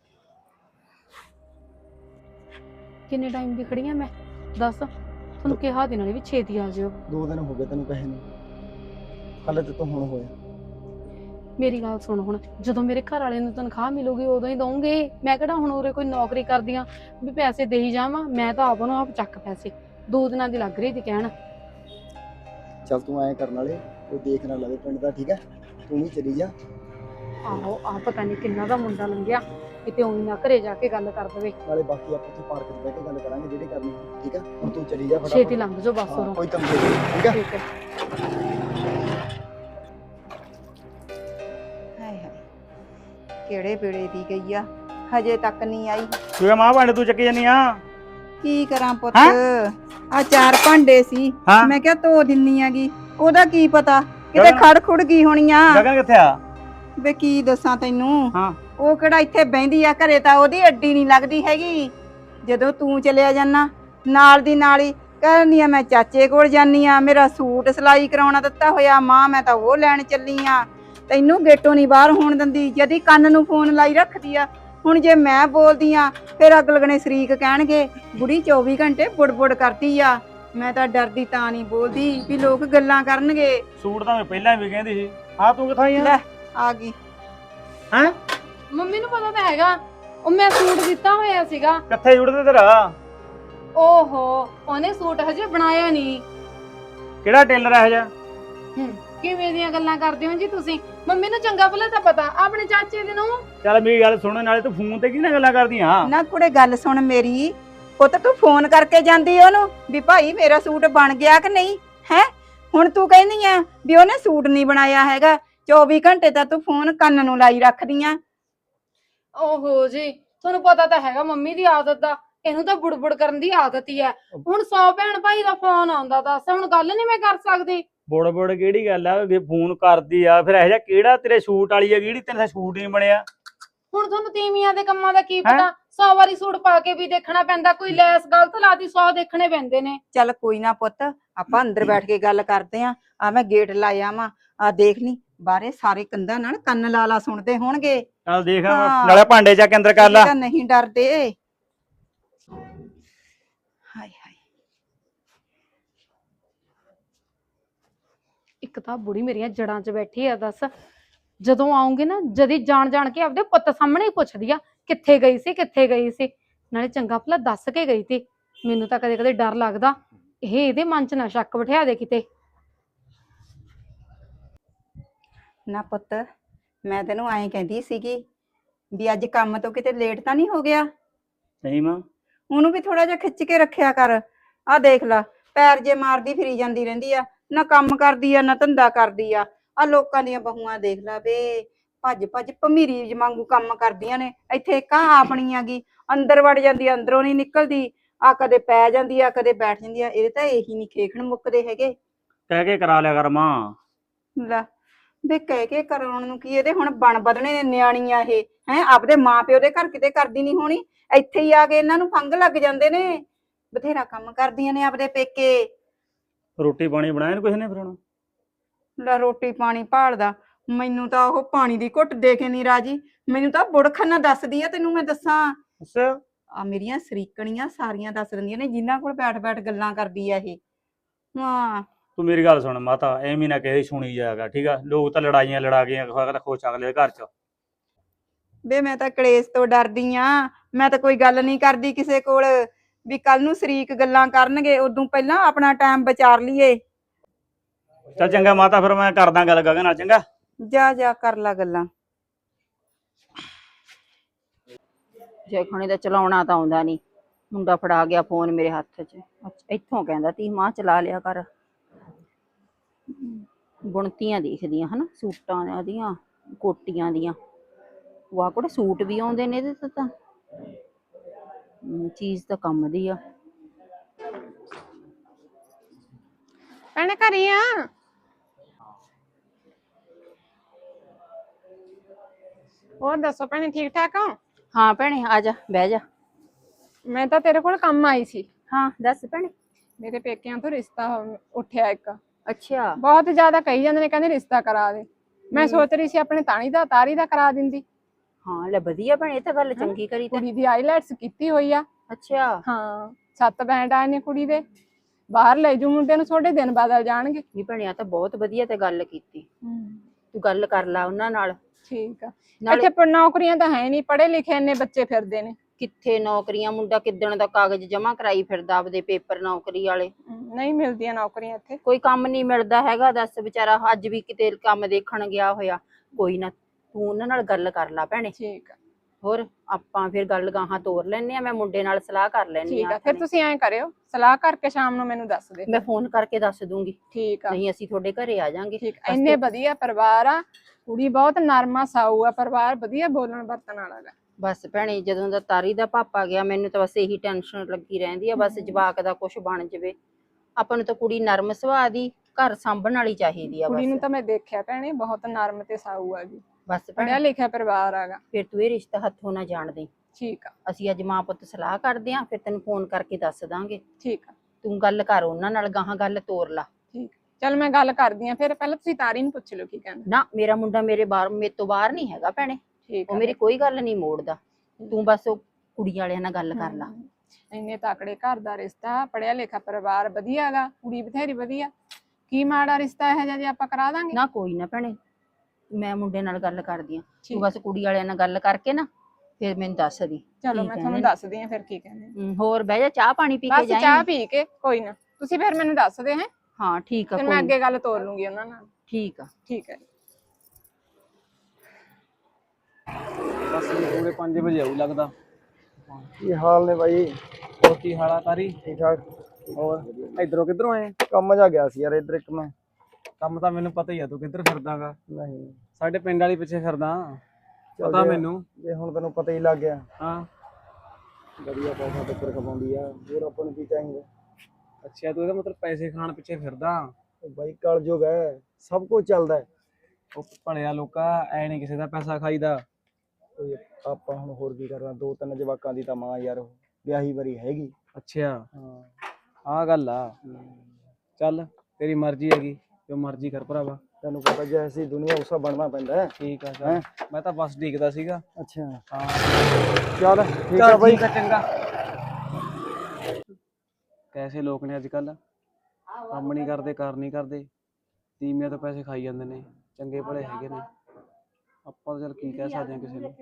[SPEAKER 3] ਕਿੰਨੇ ਟਾਈਮ ਦੀ ਖੜੀ ਆ ਮੈਂ? ਦੱਸ, ਤੁਹਾਨੂੰ ਕਿਹਾ ਦੀ ਨਾਲੇ ਵੀ ਛੇਤੀ ਆ ਜਿਓ।
[SPEAKER 4] ਦੋ ਦਿਨ ਹੋ ਗਏ ਤੈਨੂੰ ਕਹੇ ਨੂੰ, ਹਾਲੇ ਤੇ ਤੂੰ ਹੁਣ ਹੋਇਆ।
[SPEAKER 3] ਮੇਰੀ ਗੱਲ ਸੁਣ, ਹੁਣ ਜਦੋਂ ਮੇਰੇ ਘਰ ਵਾਲੇ ਨੂੰ ਤਨਖਾਹ ਮਿਲੂਗੀ ਉਦੋਂ ਹੀ ਦਊਂਗੇ। ਮੈਂ ਕਿਹੜਾ ਹੁਣ ਉਰੇ ਕੋਈ ਨੌਕਰੀ ਕਰਦੀ ਆ ਵੀ ਪੈਸੇ ਦੇਈ ਜਾਵਾਂ। ਮੈਂ ਤਾਂ ਆਪ ਨੂੰ ਆਪ ਚੱਕ ਪੈਸੇ, ਦੋ ਦਿਨਾਂ ਦੀ ਲੱਗ ਰਹੀ ਸੀ ਕਹਿਣ।
[SPEAKER 4] ਚੱਲ ਤੂੰ ਐਂ ਕਰਨ ਵਾਲੇ ਕੋਈ ਦੇਖ ਨਾ ਲਵੇ ਪਿੰਡ ਦਾ, ਠੀਕ ਹੈ? ਤੂੰ ਵੀ ਚਲੀ ਜਾ।
[SPEAKER 3] ਆਹੋ, ਆ ਪਤਾ ਨਹੀਂ ਕਿੰਨਾ ਦਾ ਮੁੰਡਾ ਲੰਘਿਆ, ਕਿਤੇ ਉਹੀ ਨਾ ਘਰੇ ਜਾ ਕੇ ਗੱਲ ਕਰ ਦੇਵੇ।
[SPEAKER 4] ਨਾਲੇ ਬਾਕੀ ਆਪਾਂ ਉੱਥੇ ਪਾਰਕ 'ਚ ਬਹਿ ਕੇ ਗੱਲ ਕਰਾਂਗੇ ਜਿਹੜੀ ਕਰਨੀ ਹੈ, ਠੀਕ ਹੈ? ਹੁਣ ਤੂੰ ਚਲੀ ਜਾ ਫਟਾਫਟ।
[SPEAKER 3] ਛੇਤੀ ਲੰਘ ਜਾਓ ਬਸ
[SPEAKER 4] ਹਾਂ,
[SPEAKER 3] ਉਰੋਂ।
[SPEAKER 4] ਕੋਈ ਤੰਗੇ ਨਹੀਂ, ਠੀਕ ਹੈ?
[SPEAKER 3] ਠੀਕ ਹੈ।
[SPEAKER 1] ਹਾਏ ਹਾਏ, ਕਿਹੜੇ ਵੇਲੇ ਦੀ ਗਈ ਆ, ਹਜੇ ਤੱਕ ਨਹੀਂ ਆਈ।
[SPEAKER 2] ਤੂੰ ਮਾਂ ਭਾਂਡੇ ਤੂੰ ਚੱਕੀ ਜਾਨੀ ਆ?
[SPEAKER 1] ਕੀ ਕਰਾਂ ਪੁੱਤ, ਆ ਚਾਰ ਭਾਂਡੇ ਸੀ,
[SPEAKER 2] ਹਾਂ।
[SPEAKER 1] ਮੈਂ ਕਿਹਾ ਧੋ ਦਿੰਨੀ ਆਗੀ। ਉਹਦਾ ਕੀ ਪਤਾ, ਕਿਤੇ
[SPEAKER 2] ਗਗਨ-
[SPEAKER 1] ਖੜ ਖੁੜ ਗਈ ਹੋਣੀ ਆ।
[SPEAKER 2] ਗਗਨ ਕਿੱਥੇ ਆ?
[SPEAKER 1] ਵੇ ਕੀ ਦੱਸਾਂ ਤੈਨੂੰ,
[SPEAKER 2] ਹਾਂ।
[SPEAKER 1] ਉਹ ਕਿਹੜਾ ਇੱਥੇ ਬਹਿੰਦੀ ਆ, ਘਰੇ ਤਾਂ ਉਹਦੀ ਅੱਡੀ ਨਹੀਂ ਲੱਗਦੀ ਹੈਗੀ। ਜਦੋਂ ਤੂੰ ਚਲਿਆ ਜਾਨਾ ਨਾਲ ਦੀ ਨਾਲ ਹੀ ਕਹਿੰਦੀ ਆ ਮੈਂ ਚਾਚੇ ਕੋਲ ਜਾਨੀ ਆ, ਮੇਰਾ ਸੂਟ ਸਿਲਾਈ ਕਰਾਉਣਾ ਦਿੱਤਾ ਹੋਇਆ, ਮਾਂ ਮੈਂ ਤਾਂ ਉਹ ਲੈਣ ਚੱਲੀ ਆ। ਤੈਨੂੰ ਗੇਟੋਂ ਨਹੀਂ ਬਾਹਰ ਹੋਣ ਦਿੰਦੀ, ਜਦੀ ਕੰਨ ਨੂੰ ਫੋਨ ਲਾਈ ਰੱਖਦੀ ਆ। ਹੁਣ ਜੇ ਮੈਂ ਬੋਲਦੀ ਆ ਫਿਰ ਅਗਲਗਣੇ ਸ਼ਰੀਕ ਕਹਿਣਗੇ ਬੁੜੀ ਚੌਵੀ ਘੰਟੇ ਬੁੜਬੁੜ ਕਰਦੀ ਆ। ਮੈਂ ਤਾਂ ਡਰਦੀ ਤਾਂ ਨਹੀਂ ਬੋਲਦੀ ਵੀ ਲੋਕ ਗੱਲਾਂ ਕਰਨਗੇ।
[SPEAKER 2] ਸੂਟ ਤਾਂ ਮੈਂ ਪਹਿਲਾਂ ਵੀ ਕਹਿੰਦੀ ਸੀ। ਹਾਂ, ਤੂੰ ਕਿੱਥੋਂ ਆਈ ਆ?
[SPEAKER 1] ਲੈ ਆ ਗਈ।
[SPEAKER 2] ਹੈਂ?
[SPEAKER 3] ਮੰਮੀ ਨੂੰ ਪਤਾ ਤਾਂ ਹੈਗਾ, ਉਹ ਮੈਂ ਸੂਟ ਦਿੱਤਾ ਹੋਇਆ ਸੀਗਾ।
[SPEAKER 2] ਕਿੱਥੇ ਜੁੜਦੇ ਤੇਰਾ?
[SPEAKER 3] ਓਹੋ, ਉਹਨੇ ਸੂਟ ਹਜੇ ਬਣਾਇਆ ਨਹੀਂ।
[SPEAKER 2] ਕਿਹੜਾ ਟੇਲਰ ਹੈ ਜਾ?
[SPEAKER 3] ਕਿਵੇਂ ਦੀਆਂ ਗੱਲਾਂ ਕਰਦੇ ਹੋ ਜੀ ਤੁਸੀਂ? ਮੰਮੀ ਨੂੰ ਚੰਗਾ ਭਲਾ ਤਾਂ ਪਤਾ, ਆਪਣੇ ਚਾਚੇ ਦੇ ਨੂੰ।
[SPEAKER 2] ਚੱਲ ਮੇਰੀ ਗੱਲ ਸੁਣ, ਨਾਲੇ ਤੂੰ ਫੋਨ ਤੇ ਕੀ ਨਾ ਗੱਲਾਂ ਕਰਦੀ ਆ?
[SPEAKER 1] ਨਾ ਕੁੜੇ ਗੱਲ ਸੁਣ ਮੇਰੀ, ਪੁੱਤ ਤੂੰ ਫੋਨ ਕਰਕੇ ਜਾਂਦੀ ਉਹਨੂੰ ਵੀ ਭਾਈ ਮੇਰਾ ਸੂਟ ਬਣ ਗਿਆ ਕਿ ਨਹੀਂ ਹੈ। ਹੁਣ ਤੂੰ ਕਹਿੰਦੀ ਆ ਵੀ ਉਹਨੇ ਸੂਟ ਨਹੀਂ ਬਣਾਇਆ ਹੈਗਾ। ਚੌਵੀ ਘੰਟੇ ਤਾਂ ਤੂੰ ਫੋਨ ਕੰਨ ਨੂੰ ਲਾਈ ਰੱਖਦੀ ਆ।
[SPEAKER 3] ਓਹੋ ਜੀ, ਤੁਹਾਨੂੰ ਪਤਾ ਤਾਂ ਹੈਗਾ ਮੰਮੀ ਦੀ ਆਦਤ ਦਾ, ਇਹਨੂੰ ਤਾਂ ਬੁੜਬੁੜ ਕਰਨ ਦੀ ਆਦਤ ਹੀ ਹੈ। ਹੁਣ ਸੌ ਭੈਣ ਭਾਈ ਦਾ ਫੋਨ ਆਉਂਦਾ, ਦੱਸ ਹੁਣ ਗੱਲ ਨਹੀਂ ਮੈਂ ਕਰ ਸਕਦੀ।
[SPEAKER 2] ਬੁੜ ਬੁੜ ਕਿਹੜੀ ਗੱਲ ਆ? ਜੇ ਫੋਨ ਕਰਦੀ ਆ ਫਿਰ ਇਹ ਜਿਹਾ ਕਿਹੜਾ ਤੇਰੇ ਸੂਟ ਵਾਲੀ ਆ ਜਿਹੜੀ ਤੇਰੇ ਸੂਟ ਨਹੀਂ ਬਣਿਆ?
[SPEAKER 3] ਹੁਣ ਤੁਹਾਨੂੰ ਤੀਵੀਆਂ ਦੇ ਕੰਮਾਂ ਦਾ ਕੀ ਪਤਾ, ਸੌ ਵਾਰੀ ਸੂਟ ਪਾ ਕੇ ਵੀ ਦੇਖਣਾ ਪੈਂਦਾ, ਕੋਈ ਲੈਸ ਗਲਤ ਲਾਤੀ ਸੌ ਦੇਖਣੇ ਪੈਂਦੇ ਨੇ।
[SPEAKER 1] ਚੱਲ ਕੋਈ ਨਾ ਪੁੱਤ, ਆਪਾਂ ਅੰਦਰ ਬੈਠ ਕੇ ਗੱਲ ਕਰਦੇ ਆ। ਆ ਮੈਂ ਗੇਟ ਲਾਇਆ ਵਾ, ਆ ਦੇਖ ਨੀ ਬਾਹਰੇ ਸਾਰੇ ਕੰਧਾਂ ਨਾਲ ਕੰਨ ਲਾ ਲਾ ਸੁਣਦੇ ਹੋਣਗੇ।
[SPEAKER 2] ਚੱਲ ਦੇਖ,
[SPEAKER 1] ਹਾਂ।
[SPEAKER 2] ਨਾਲੇ ਭਾਂਡੇ ਚੱਕ ਅੰਦਰ ਕਰ
[SPEAKER 1] ਇਹ
[SPEAKER 2] ਲਾ।
[SPEAKER 1] ਤਾਂ ਨਹੀਂ ਡਰਦੇ। ਹਾਏ ਹਾਏ,
[SPEAKER 3] ਇੱਕ ਤਾਂ ਬੁੜੀ ਮੇਰੀਆਂ ਜੜਾਂ 'ਚ ਬੈਠੀ ਆ। ਦੱਸ, ਜਦੋਂ ਆਉਂਗੇ ਨਾ ਜਦੀ ਜਾਣ ਜਾਣ ਕੇ ਆਪਦੇ ਪੁੱਤ ਸਾਹਮਣੇ ਹੀ ਪੁੱਛਦੀ ਆ ਕਿੱਥੇ ਗਈ ਸੀ, ਕਿੱਥੇ ਗਈ ਸੀ। ਨਾਲੇ ਚੰਗਾ ਭਲਾ ਦੱਸ ਕੇ ਗਈ ਸੀ। ਮੈਨੂੰ ਤਾਂ ਕਦੇ ਕਦੇ ਡਰ ਲੱਗਦਾ ਇਹ ਇਹਦੇ ਮਨ 'ਚ ਨਾ ਸ਼ੱਕ ਬਿਠਾ ਦੇ ਕਿਤੇ।
[SPEAKER 1] ਨਾ ਪੁੱਤ, ਮੈਂ ਤੈਨੂੰ ਐਂ ਕਹਿੰਦੀ ਸੀਗੀ ਵੀ ਅੱਜ ਕੰਮ ਤੋਂ ਕਿਤੇ ਲੇਟ ਤਾਂ ਨਹੀਂ ਹੋ ਗਿਆ।
[SPEAKER 2] ਨਹੀਂ ਮਾਂ,
[SPEAKER 1] ਉਹਨੂੰ ਵੀ ਥੋੜਾ ਜਿਹਾ ਖਿੱਚ ਕੇ ਰੱਖਿਆ ਕਰ। ਆ ਦੇਖ ਲਾ, ਪੈਰ ਜੇ ਮਾਰਦੀ ਫਿਰੀ ਜਾਂਦੀ ਰਹਿੰਦੀ ਆ, ਨਾ ਕੰਮ ਕਰਦੀ ਆ ਨਾ ਧੰਦਾ ਕਰਦੀ ਆ। ਆ ਲੋਕਾਂ ਦੀਆਂ ਬਹੂਆਂ ਦੇਖ ਲਾ ਵੇ, ਭੱਜ ਭੱਜ ਭਮੀਰੀ ਵਾਂਗੂ ਕੰਮ ਕਰਦੀਆਂ ਨੇ। ਇੱਥੇ ਕਾਹ ਆਪਣੀ ਆਗੀ, ਅੰਦਰ ਵੜ ਜਾਂਦੀ ਆ, ਅੰਦਰੋਂ ਨਹੀਂ ਨਿਕਲਦੀ। ਆ ਕਦੇ ਪੈ ਜਾਂਦੀ ਆ, ਕਦੇ ਬੈਠ ਜਾਂਦੀ ਆ। ਇਹਦੇ ਤਾਂ ਇਹੀ ਨਹੀਂ ਖੇਖਣ ਮੁੱਕਦੇ ਹੈਗੇ।
[SPEAKER 2] ਕਹਿ ਕੇ ਕਰਾ ਲਿਆ ਕਰ ਮਾਂ।
[SPEAKER 1] ਲੈ ਵੇ, ਕਹਿ ਕੇ ਕਰਾਉਣ ਨੂੰ ਕੀ, ਇਹਦੇ ਹੁਣ ਬਣ ਬਦਣੇ ਨੇ, ਨਿਆਣੀ ਆ ਇਹ ਹੈ। ਆਪਦੇ ਮਾਂ ਪਿਓ ਦੇ ਘਰ ਕਿਤੇ ਕਰਦੀ ਨਹੀਂ ਹੋਣੀ, ਇੱਥੇ ਹੀ ਆ ਕੇ ਇਹਨਾਂ ਨੂੰ ਫੰਗ ਲੱਗ ਜਾਂਦੇ ਨੇ। ਬਥੇਰਾ ਕੰਮ ਕਰਦੀਆਂ ਨੇ ਆਪਦੇ ਪੇਕੇ।
[SPEAKER 2] ਰੋਟੀ ਪਾਣੀ ਬਣਾਇਆ ਨੀ ਕੁਛ ਨੇ ਫਿਰ ਹੁਣ?
[SPEAKER 1] ਲੈ ਰੋਟੀ ਪਾਣੀ ਭਾਲਦਾ। ਮੈਨੂੰ ਤਾਂ ਉਹ ਪਾਣੀ ਦੀ ਘੁੱਟ ਦੇ ਕੇ ਨਹੀਂ ਰਾਜੀ। ਮੈਨੂੰ ਤਾਂ ਬੁੜਖਾਨਾ ਦੱਸਦੀ ਆ, ਤੈਨੂੰ ਮੈਂ ਦੱਸਾਂ।
[SPEAKER 2] ਅੱਛਾ
[SPEAKER 1] ਆ ਮੇਰੀਆਂ ਸਰੀਕਣੀਆਂ ਸਾਰੀਆਂ ਦੱਸ ਦਿੰਦੀਆਂ ਨੇ, ਜਿਨ੍ਹਾਂ ਕੋਲ ਬੈਠ ਬੈਠ ਗੱਲਾਂ ਕਰਦੀ ਆ ਇਹ। ਹਾਂ
[SPEAKER 2] ਤੂੰ ਮੇਰੀ ਗੱਲ ਸੁਣ ਮਾਤਾ, ਐਵੇਂ ਨਾ ਕਹੇ ਸੁਣੀ ਜਾਏਗਾ, ਠੀਕ ਆ? ਲੋਕ ਤਾਂ ਲੜਾਈਆਂ ਲੜਾ ਕੇ ਅਗਲਾ ਖੁਸ਼ ਅਗਲੇ ਦੇ ਘਰ ਚ।
[SPEAKER 1] ਵੇ ਮੈਂ ਤਾਂ ਕਲੇਸ਼ ਤੋਂ ਡਰਦੀ ਆ। ਮੈਂ ਤਾਂ ਕੋਈ ਗੱਲ ਨਹੀਂ ਕਰਦੀ ਕਿਸੇ ਕੋਲ ਵੀ ਕੱਲ ਨੂੰ ਸ਼ਰੀਕ ਗੱਲਾਂ ਕਰਨਗੇ, ਉਦੋਂ ਪਹਿਲਾਂ ਆਪਣਾ ਟਾਈਮ ਵਿਚਾਰ ਲਈਏ।
[SPEAKER 2] ਚੱਲ ਚੰਗਾ ਮਾਤਾ, ਫਿਰ ਮੈਂ ਕਰਦਾ ਗੱਲ ਗਗਨ ਨਾਲ, ਚੰਗਾ?
[SPEAKER 1] ਜਾ ਜਾ ਕਰ ਲਾ ਗੱਲਾਂ।
[SPEAKER 5] ਜੇ ਖਣੇ ਦਾ ਚਲਾਉਣਾ ਤਾਂ ਆਉਂਦਾ ਨਹੀਂ, ਮੁੰਡਾ ਫੜਾ ਗਿਆ ਫੋਨ ਮੇਰੇ ਹੱਥ 'ਚ। ਅੱਛਾ ਇੱਥੋਂ ਕਹਿੰਦਾ ਤੀ ਮਾਂ ਚਲਾ ਲਿਆ ਕਰ। ਬੁਣਤੀਆਂ ਦੇਖਦੀਆਂ ਹਨਾ, ਸੂਟਾਂ ਦੀਆਂ, ਕੋਟੀਆਂ ਦੀਆਂ। ਵਾਹ ਕੋੜੇ ਸੂਟ ਵੀ ਆਉਂਦੇ ਨੇ ਇਹਦੇ ਤੇ ਤਾਂ। ਹਮ, ਚੀਜ਼ ਤਾਂ ਕੰਮ ਦੀ ਆ।
[SPEAKER 3] ਭੈਣੇ ਘਰੇ ਆ। ਹੋਰ ਦੱਸੋ ਭੈਣੇ, ਠੀਕ ਠਾਕ ਹੋ?
[SPEAKER 5] ਹਾਂ ਭੈਣੇ ਆ ਜਾ, ਬਹਿ ਜਾ।
[SPEAKER 3] ਮੈਂ ਤਾਂ ਤੇਰੇ ਕੋਲ ਕੰਮ ਆਈ ਸੀ।
[SPEAKER 5] ਹਾਂ ਦੱਸ ਭੈਣੇ।
[SPEAKER 3] ਮੇਰੇ ਪੇਕਿਆਂ ਤੋਂ ਰਿਸ਼ਤਾ ਹੋ- ਉੱਠਿਆ ਇੱਕ।
[SPEAKER 5] ਅੱਛਾ
[SPEAKER 3] ਬਹੁਤ ਜ਼ਿਆਦਾ ਕਹੀ ਜਾਂਦੇ ਨੇ, ਕਹਿੰਦੇ ਰਿਸ਼ਤਾ ਕਰਾ ਦੇ। ਮੈਂ ਸੋਚ ਰਹੀ ਸੀ ਆਪਣੇ ਤਾਣੀ ਦਾ ਤਾਰੀ ਦਾ ਕਰਾ ਦਿੰਦੀ।
[SPEAKER 5] ਹਾਂ ਲੈ ਵਧੀਆ ਭੈਣੇ, ਇਹ ਤਾਂ ਗੱਲ ਚੰਗੀ ਕਰੀ ਤੇ।
[SPEAKER 3] ਕੁੜੀ ਦੀ ਆਈਲੈਟਸ ਕੀਤੀ ਹੋਈ ਆ।
[SPEAKER 5] ਅੱਛਾ
[SPEAKER 3] ਹਾਂ ਸੱਤ ਬੈਂਡ ਆਏ ਨੇ ਕੁੜੀ ਦੇ। ਬਾਹਰ ਲੈ ਜੂ ਮੁੰਡੇ ਨੂੰ, ਥੋੜੇ ਦਿਨ ਬਦਲ ਜਾਣਗੇ।
[SPEAKER 5] ਨਹੀਂ ਭੈਣੇ ਆ ਤਾਂ ਬਹੁਤ ਵਧੀਆ ਤੇ ਗੱਲ ਕੀਤੀ। ਤੂੰ ਗੱਲ ਕਰ ਲੈ ਉਹਨਾਂ ਨਾਲ।
[SPEAKER 3] ਠੀਕ ਆ।
[SPEAKER 5] ਨਾਲੇ
[SPEAKER 3] ਇੱਥੇ ਪ- ਨੌਕਰੀਆਂ ਤਾਂ ਹੈ ਨਹੀਂ, ਪੜ੍ਹੇ ਲਿਖੇ ਇੰਨੇ ਬੱਚੇ ਫਿਰਦੇ ਨੇ।
[SPEAKER 5] ਕਿੱਥੇ ਨੌਕਰੀਆਂ, ਮੁੰਡਾ ਕਿੱਦਣ ਦਾ ਕਾਗਜ਼ ਜਮਾ ਕਰਾਈ ਫਿਰਦਾ ਆਪਦੇ ਪੇਪਰ ਨੌਕਰੀ ਵਾਲੇ।
[SPEAKER 3] ਨਹੀਂ ਮਿਲਦੀਆਂ ਨੌਕਰੀਆਂ ਇੱਥੇ।
[SPEAKER 5] ਕੋਈ ਕੰਮ ਨਹੀਂ ਮਿਲਦਾ ਹੈਗਾ, ਦੱਸ ਵਿਚਾਰਾ ਅੱਜ ਵੀ ਕਿਤੇ ਕੰਮ ਦੇਖਣ ਗਿਆ ਹੋਇਆ। ਕੋਈ ਨਾ ਤੂੰ ਉਹਨਾਂ ਨਾਲ ਗੱਲ ਕਰ ਲੈ ਭੈਣੇ।
[SPEAKER 3] ਠੀਕ ਆ
[SPEAKER 5] ਹੋਰ ਆਪਾਂ ਫਿਰ ਗੱਲ ਗਾਹਾਂ ਤੋਰ ਲੈਣੇ ਆ, ਮੈਂ ਮੁੰਡੇ ਨਾਲ ਸਲਾਹ ਕਰ ਲੈਣੀ
[SPEAKER 3] ਠੀਕ
[SPEAKER 5] ਆ।
[SPEAKER 3] ਆ ਫਿਰ ਤੁਸੀਂ ਐਂ ਕਰਿਓ, ਸਲਾਹ ਕਰਕੇ ਸ਼ਾਮ ਨੂੰ ਮੈਨੂੰ ਦੱਸ ਦੇ।
[SPEAKER 5] ਮੈਂ ਫੋਨ ਕਰਕੇ ਦੱਸ ਦੂੰਗੀ,
[SPEAKER 3] ਠੀਕ ਆ
[SPEAKER 5] ਨਹੀਂ ਅਸੀਂ ਤੁਹਾਡੇ ਘਰੇ ਆ ਜਾਾਂਗੇ।
[SPEAKER 3] ਠੀਕ ਆ। ਇੰਨੇ ਵਧੀਆ ਪਰਿਵਾਰ ਆ, ਕੁੜੀ ਬਹੁਤ ਨਰਮਾ ਸਾਊ ਆ, ਪਰਿਵਾਰ ਵਧੀਆ ਬੋਲਣ ਵਰਤਣ ਵਾਲਾ ਗਾ।
[SPEAKER 5] ਬਸ ਭੈਣੇ ਜਦੋਂ ਦਾ ਤਾਰੀ ਦਾ ਪਾਪਾ ਗਿਆ, ਮੈਨੂੰ ਤਾਂ ਬਸ ਇਹੀ ਟੈਨਸ਼ਨ ਲੱਗੀ ਰਹਿੰਦੀ ਆ, ਬਸ ਜਵਾਕ ਦਾ ਕੁਝ ਬਣ ਜਵੇ। ਆਪਾਂ ਨੂੰ ਤਾਂ ਕੁੜੀ ਨਰਮ ਸੁਭਾਅ ਦੀ, ਘਰ ਸਾਂਭਣ ਵਾਲੀ ਚਾਹੀਦੀ ਆ।
[SPEAKER 3] ਕੁੜੀ ਨੂੰ
[SPEAKER 5] ਬਸ
[SPEAKER 3] ਤਾਂ ਮੈਂ ਦੇਖਿਆ ਭੈਣੇ, ਬਹੁਤ ਨਰਮ ਤੇ ਸਾਊ ਆ ਜੀ।
[SPEAKER 5] ਬਸ
[SPEAKER 3] ਪੜਿਆ
[SPEAKER 5] ਭੈਣੇ
[SPEAKER 3] ਲਿਖਿਆ ਪਰਿਵਾਰ ਆਗਾ।
[SPEAKER 5] ਫਿਰ ਤੂੰ ਇਹ ਰਿਸ਼ਤਾ ਹੱਥੋਂ ਨਾ ਜਾਣ ਦੇ।
[SPEAKER 3] ਠੀਕ ਆ
[SPEAKER 5] ਅਸੀਂ ਅੱਜ ਮਾਂ ਪੁੱਤ ਸਲਾਹ ਕਰਦੇ ਆਂ, ਫਿਰ ਤੈਨੂੰ ਫੋਨ ਕਰਕੇ ਦੱਸ ਦਾਂਗੇ।
[SPEAKER 3] ਠੀਕ ਆ
[SPEAKER 5] ਤੂੰ ਗੱਲ ਕਰ ਉਹਨਾਂ ਨਾਲ, ਗਾਹਾਂ ਗੱਲ ਤੋਰ ਲਾ।
[SPEAKER 3] ਠੀਕ। ਚਲ ਮੈਂ ਗੱਲ ਕਰਦੀ ਆ ਫਿਰ, ਪਹਿਲਾਂ ਤੁਸੀਂ ਤਾਰੀ ਨੂੰ ਪੁੱਛ ਲਓ ਕੀ ਕਹਿੰਦਾ।
[SPEAKER 5] ਨਾ ਮੇਰਾ ਮੁੰਡਾ ਮੇਰੇ ਬਾਹਰ, ਮੇਰੇ ਤੋਂ ਬਾਹਰ ਨਹੀਂ ਹੈਗਾ ਭੈਣੇ।
[SPEAKER 3] ਠੀਕ
[SPEAKER 5] ਉਹ
[SPEAKER 3] ਆ
[SPEAKER 5] ਮੇਰੀ ਕੋਈ ਗੱਲ ਨਹੀਂ ਮੋੜਦਾ। ਤੂੰ ਬਸ ਉਹ ਕੁੜੀ ਵਾਲਿਆਂ ਨਾਲ ਗੱਲ ਕਰ ਲਾ।
[SPEAKER 3] ਇੰਨੇ ਤਾਕੜੇ ਘਰ ਦਾ ਰਿਸ਼ਤਾ, ਪੜਿਆ ਲਿਖਿਆ ਪਰਿਵਾਰ ਵਧੀਆ ਗਾ, ਕੁੜੀ ਬਥੇਰੀ ਵਧੀਆ। ਕੀ ਮਾੜਾ ਰਿਸ਼ਤਾ ਇਹੋ ਜਿਹਾ ਜੇ ਆਪਾਂ ਕਰਾ ਦਾਂਗੇ।
[SPEAKER 5] ਨਾ ਕੋਈ ਨਾ ਭੈਣੇ, ਮੈਂ ਮੁੰਡੇ ਨਾਲ ਗੱਲ ਕਰਦੀ ਆਂ।
[SPEAKER 3] ਠੀਕ।
[SPEAKER 5] ਤੂੰ ਬਸ ਕੁੜੀ ਵਾਲਿਆਂ ਨਾਲ ਗੱਲ ਕਰਕੇ ਨਾ ਫਿਰ ਮੈਨੂੰ ਦੱਸ ਦੀ।
[SPEAKER 3] ਚਲੋ
[SPEAKER 5] ਕੀ
[SPEAKER 3] ਮੈਂ
[SPEAKER 5] ਕਹਿੰਦੇ
[SPEAKER 3] ਤੁਹਾਨੂੰ
[SPEAKER 5] ਨੇ।
[SPEAKER 3] ਦੱਸਦੀ ਆ ਫਿਰ ਕੀ ਕਹਿੰਦੇ ਆ।
[SPEAKER 5] ਹਮ, ਹੋਰ ਬਹਿ ਜਾ, ਚਾਹ ਪਾਣੀ ਪੀ ਕੇ
[SPEAKER 3] ਬਸ
[SPEAKER 5] ਜਾਈਂ।
[SPEAKER 3] ਚਾਹ ਪੀ ਕੇ, ਕੋਈ ਨਾ ਤੁਸੀਂ ਫਿਰ ਮੈਨੂੰ ਦੱਸ ਦੇ ਹੈ,
[SPEAKER 5] ਹਾਂ ਠੀਕ ਆ,
[SPEAKER 3] ਫਿਰ ਮੈਂ
[SPEAKER 5] ਕੋਈ
[SPEAKER 3] ਅੱਗੇ ਗੱਲ ਤੋਰ ਲੂੰਗੀ ਉਹਨਾਂ ਨਾਲ।
[SPEAKER 5] ਠੀਕ ਆ।
[SPEAKER 3] ਠੀਕ ਹੈ।
[SPEAKER 6] ਬਸ ਜੀ ਪੂਰੇ ਪੰਜ ਵਜੇ ਆਊ ਲੱਗਦਾ।
[SPEAKER 4] ਕੀ ਹਾਲ ਨੇ ਬਾਈ?
[SPEAKER 6] ਹੋਰ ਕੀ ਹਾਲ ਆ ਤਾਰੀ?
[SPEAKER 4] ਠੀਕ ਠਾਕ।
[SPEAKER 6] ਹੋਰ ਇਧਰੋਂ ਕਿੱਧਰੋਂ ਆਏ?
[SPEAKER 4] ਕੰਮ ਜਾ ਗਿਆ ਸੀ ਯਾਰ ਇੱਧਰ ਇੱਕ ਮੈਂ।
[SPEAKER 6] ਕੰਮ ਤਾਂ ਮੈਨੂੰ ਪਤਾ ਹੀ ਆ, ਤੂੰ ਕਿੱਧਰ ਫਿਰਦਾਗਾ।
[SPEAKER 4] ਨਹੀਂ
[SPEAKER 6] ਸਾਡੇ ਪਿੰਡ ਵਾਲੀ ਪਿੱਛੇ ਫਿਰਦਾ,
[SPEAKER 4] ਚੱਲ
[SPEAKER 6] ਪਤਾ
[SPEAKER 4] ਜੇ-
[SPEAKER 6] ਮੈਨੂੰ।
[SPEAKER 4] ਜੇ ਹੁਣ ਤੈਨੂੰ ਪਤਾ ਹੀ ਲੱਗ ਗਿਆ,
[SPEAKER 6] ਹਾਂ
[SPEAKER 4] ਵਧੀਆ ਪੈਸਾ ਟੱਕਰ ਕਮਾਉਂਦੀ ਆ, ਹੋਰ ਆਪਾਂ ਨੂੰ ਕੀ ਚਾਹੀਦਾ?
[SPEAKER 6] ਅੱਛਾ ਤੂੰ ਇਹਦਾ ਮਤਲਬ ਪੈਸੇ ਖਾਣ ਪਿੱਛੇ ਫਿਰਦਾ।
[SPEAKER 4] ਉਹ ਬਾਈ ਕਲਯੁਗ ਹੈ, ਸਭ ਕੁਝ ਚੱਲਦਾ ਹੈ।
[SPEAKER 6] ਉਹ ਭਲਿਆ ਲੋਕਾ, ਐ ਨਹੀਂ ਕਿਸੇ ਦਾ ਪੈਸਾ ਖਾਈਦਾ।
[SPEAKER 4] ਕੋਈ ਆਪਾਂ ਹੁਣ ਹੋਰ ਕੀ ਕਰਨਾ, ਦੋ ਤਿੰਨ ਜਵਾਕਾਂ ਦੀ ਤਾਂ ਮਾਂ ਯਾਰ ਉਹ ਵਿਆਹੀ ਵਾਰੀ ਹੈਗੀ।
[SPEAKER 6] ਅੱਛਾ
[SPEAKER 4] ਹਾਂ
[SPEAKER 6] ਆਹ ਗੱਲ ਆ। ਚੱਲ ਤੇਰੀ ਮਰਜ਼ੀ ਹੈਗੀ, ਜੋ ਮਰਜ਼ੀ ਕਰ ਭਰਾਵਾ।
[SPEAKER 4] ਤੈਨੂੰ ਪਤਾ ਜੈਸੀ ਦੁਨੀਆ ਉਸਾ ਬਣਨਾ ਪੈਂਦਾ ਹੈ।
[SPEAKER 6] ਠੀਕ ਆ ਚੱਲ, ਮੈਂ ਤਾਂ ਬਸ ਡੀਕਦਾ ਸੀਗਾ।
[SPEAKER 4] ਅੱਛਾ
[SPEAKER 6] ਹਾਂ
[SPEAKER 4] ਚੱਲ ਠੀਕ ਆ ਬਾਈ।
[SPEAKER 6] ਠੀਕ ਆ ਚੰਗਾ। ਕੈਸੇ ਲੋਕ ਨੇ ਅੱਜ ਕੱਲ, ਕੰਮ ਨਹੀਂ ਕਰਦੇ, ਕਾਰ ਨਹੀਂ ਕਰਦੇ, ਤੀਵੀਆਂ ਤੋਂ ਪੈਸੇ ਖਾਈ ਜਾਂਦੇ ਨੇ। ਚੰਗੇ ਭਲੇ ਹੈਗੇ ਨੇ, ਆਪਾਂ ਤਾਂ ਚੱਲ ਕੀ ਕਹਿ ਸਕਦੇ ਹਾਂ ਕਿਸੇ ਨੂੰ।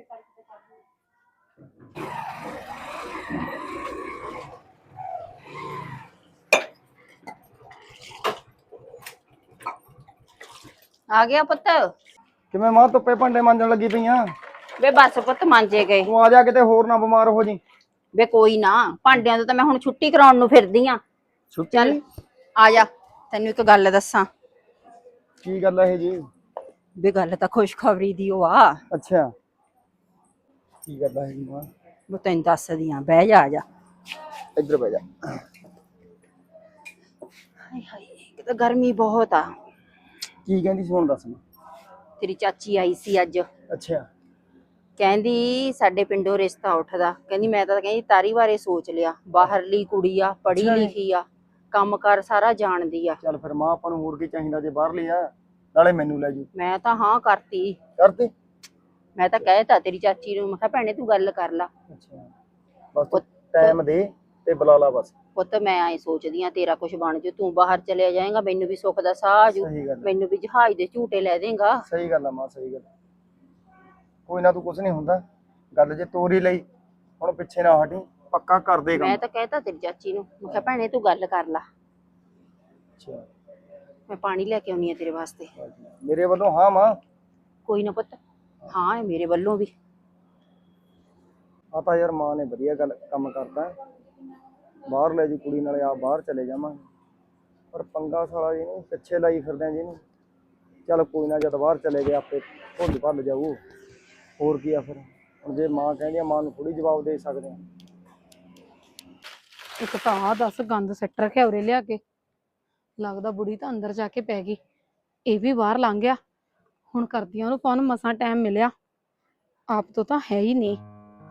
[SPEAKER 5] ਆ ਗਿਆ ਪੁੱਤ?
[SPEAKER 4] ਕਿਵੇਂ ਮਾਂ ਧੁੱਪੇ ਭਾਂਡੇ ਮਾਂਜਣ ਲੱਗੀ ਪਈਆਂ?
[SPEAKER 5] ਵੇ ਬਸ ਪੁੱਤ ਮਾਂਜੇ ਗਏ।
[SPEAKER 4] ਤੂੰ ਆ ਜਾ, ਕਿਤੇ ਹੋਰ ਨਾ ਬਿਮਾਰ ਹੋ ਜੀ।
[SPEAKER 5] ਵੇ ਕੋਈ ਨਾ, ਭਾਂਡਿਆਂ ਤੋਂ ਤਾਂ ਮੈਂ ਹੁਣ ਛੁੱਟੀ ਕਰਾਉਣ ਨੂੰ ਫਿਰਦੀ ਆ। ਚੱਲ ਆ ਜਾ, ਤੈਨੂੰ ਇੱਕ ਗੱਲ ਦੱਸਾਂ।
[SPEAKER 4] ਕੀ ਗੱਲ ਹੈ ਜੀ?
[SPEAKER 5] ਵੇ ਗੱਲ ਤਾਂ ਖੁਸ਼ਖਬਰੀ ਦੀ ਉਹ ਆ।
[SPEAKER 4] ਅੱਛਾ ਕੀ ਗੱਲ ਹੈ ਜੀ ਮਾਂ?
[SPEAKER 5] ਮੈਂ ਤੈਨੂੰ ਦੱਸਦੀ ਆ, ਬਹਿ ਜਾ, ਆ ਜਾ।
[SPEAKER 4] ਇੱਧਰ ਬਹਿ ਜਾ।
[SPEAKER 5] ਹਾਏ ਹਾਏ ਇੱਕ ਤਾਂ ਗਰਮੀ ਬਹੁਤ ਆ।
[SPEAKER 4] ਕੀ ਕਹਿੰਦੀ ਸੀ ਹੁਣ ਦੱਸ ਮੈਂ।
[SPEAKER 5] ਤੇਰੀ ਚਾਚੀ ਆਈ ਸੀ ਅੱਜ,
[SPEAKER 4] ਅੱਛਾ
[SPEAKER 5] ਕਹਿੰਦੀ ਸਾਡੇ ਪਿੰਡੋਂ ਰਿਸ਼ਤਾ ਉੱਠਦਾ। ਕਹਿੰਦੀ ਮੈਂ ਤਾਂ ਕਹਿੰਦੀ ਤਾਰੀ ਬਾਰੇ ਸੋਚ ਲਿਆ, ਬਾਹਰਲੀ ਕੁੜੀ ਆ, ਪੜ੍ਹੀ
[SPEAKER 4] ਅੱਛਾ ਜੀ।
[SPEAKER 5] ਲਿਖੀ ਆ, ਕੰਮ ਕਾਰ ਸਾਰਾ ਜਾਣਦੀ ਆ।
[SPEAKER 4] ਚੱਲ ਫਿਰ ਮਾਂ ਆਪਾਂ ਨੂੰ ਹੋਰ ਕੀ ਚਾਹੀਦਾ ਜੇ ਬਾਹਰ ਲਿਆ। ਨਾਲੇ ਮੈਨੂੰ ਲੈ ਜੂ।
[SPEAKER 5] ਮੈਂ ਤਾਂ ਹਾਂ ਕਰਤੀ,
[SPEAKER 4] ਕਰਤੀ?
[SPEAKER 5] ਮੈਂ ਤਾਂ ਕਹਿਤਾ ਤੇਰੀ ਚਾਚੀ ਨੂੰ, ਮੈਂ ਕਿਹਾ ਭੈਣੇ ਤੂੰ ਗੱਲ ਕਰ ਲਾ।
[SPEAKER 4] ਅੱਛਾ ਬਸ ਤੂੰ ਟਾਈਮ ਦੇ ਤੇ ਬੁਲਾ ਲਾ ਬਸ।
[SPEAKER 5] ਪੁੱਤ ਮੈਂ ਐ ਸੋਚਦੀ ਆ ਤੇਰਾ ਕੁਝ ਬਣ ਜੂ, ਤੂੰ ਬਾਹਰ ਚਲੇ ਜਾਏਗਾ, ਮੈਨੂੰ ਵੀ ਸੁੱਖ ਦਾ ਸਾਹ ਆ ਜੂ,
[SPEAKER 4] ਸਹੀ ਗੱਲ ਹੈ।
[SPEAKER 5] ਮੈਨੂੰ ਵੀ ਜਹਾਜ਼ ਦੇ ਝੂਟੇ ਲੈ ਦੇਗਾ।
[SPEAKER 4] ਸਹੀ ਗੱਲ ਆ ਮਾਂ, ਸਹੀ ਗੱਲ। ਕੋਈ ਨਾ, ਤੂੰ ਕੁਛ ਨਹੀਂ ਹੁੰਦਾ, ਗੱਲ ਜੇ ਤੋਰੀ ਲਈ ਹੁਣ ਪਿੱਛੇ ਨਾ ਹਟੀ, ਪੱਕਾ ਕਰ ਦੇ ਕੰਮ।
[SPEAKER 5] ਮੈਂ ਤਾਂ ਕਹਿਤਾ ਤੇਰੀ ਚਾਚੀ ਨੂੰ, ਮੈਂ ਕਿਹਾ ਭੈਣੇ ਤੂੰ ਗੱਲ ਕਰ ਲਾ।
[SPEAKER 4] ਅੱਛਾ
[SPEAKER 5] ਮੈਂ ਪਾਣੀ ਲੈ ਕੇ ਆਉਣੀ ਆ ਤੇਰੇ ਵਾਸਤੇ।
[SPEAKER 4] ਮੇਰੇ ਵੱਲੋਂ ਹਾਂ ਮਾਂ।
[SPEAKER 5] ਕੋਈ ਨਾ ਪੁੱਤ, ਹਾਂ ਹੈ ਮੇਰੇ ਵੱਲੋਂ ਵੀ।
[SPEAKER 4] ਆ ਤਾਂ ਯਾਰ ਮਾਂ ਨੇ ਵਧੀਆ ਗੱਲ ਕੰਮ ਕਰਤਾ, ਬਾਹਰ ਲੈ ਜੂ ਕੁੜੀ, ਨਾਲੇ ਆ ਬਾਹਰ ਚਲੇ ਜਾਵਾਂਗੇ। ਪਰ ਪੰਗਾ ਸਾਲਾ ਜੀ ਨੂੰ ਪਿੱਛੇ ਲਾਈ ਫਿਰਦੇ ਆ ਜਿਹਨੂੰ। ਚੱਲ ਕੋਈ ਨਾ, ਜਦ ਬਾਹਰ ਚਲੇ ਗਏ ਆਪੇ ਭੁੱਲ ਭੱਲ ਜਾਊ, ਹੋਰ ਕੀ ਆ ਫਿਰ। ਹੁਣ ਜੇ ਮਾਂ ਕਹਿੰਦੀ ਆ, ਮਾਂ ਨੂੰ ਥੋੜੀ ਜਵਾਬ ਦੇ ਸਕਦੇ ਆ।
[SPEAKER 3] ਇੱਕ ਤਾਂ ਆ ਦੱਸ ਗੰਦ ਸਿੱਟ ਰੱਖਿਆ ਉਰੇ ਲਿਆ ਕੇ, ਲੱਗਦਾ ਬੁੜੀ ਤਾਂ ਅੰਦਰ ਜਾ ਕੇ ਪੈ ਗਈ, ਇਹ ਵੀ ਬਾਹਰ ਲੰਘ ਗਿਆ। ਹੁਣ ਕਰਦੀਆਂ ਉਹਨੂੰ ਫੋਨ, ਮਸਾਂ ਟਾਈਮ ਮਿਲਿਆ, ਆਪ ਤੋਂ ਤਾਂ ਹੈ ਹੀ ਨਹੀਂ।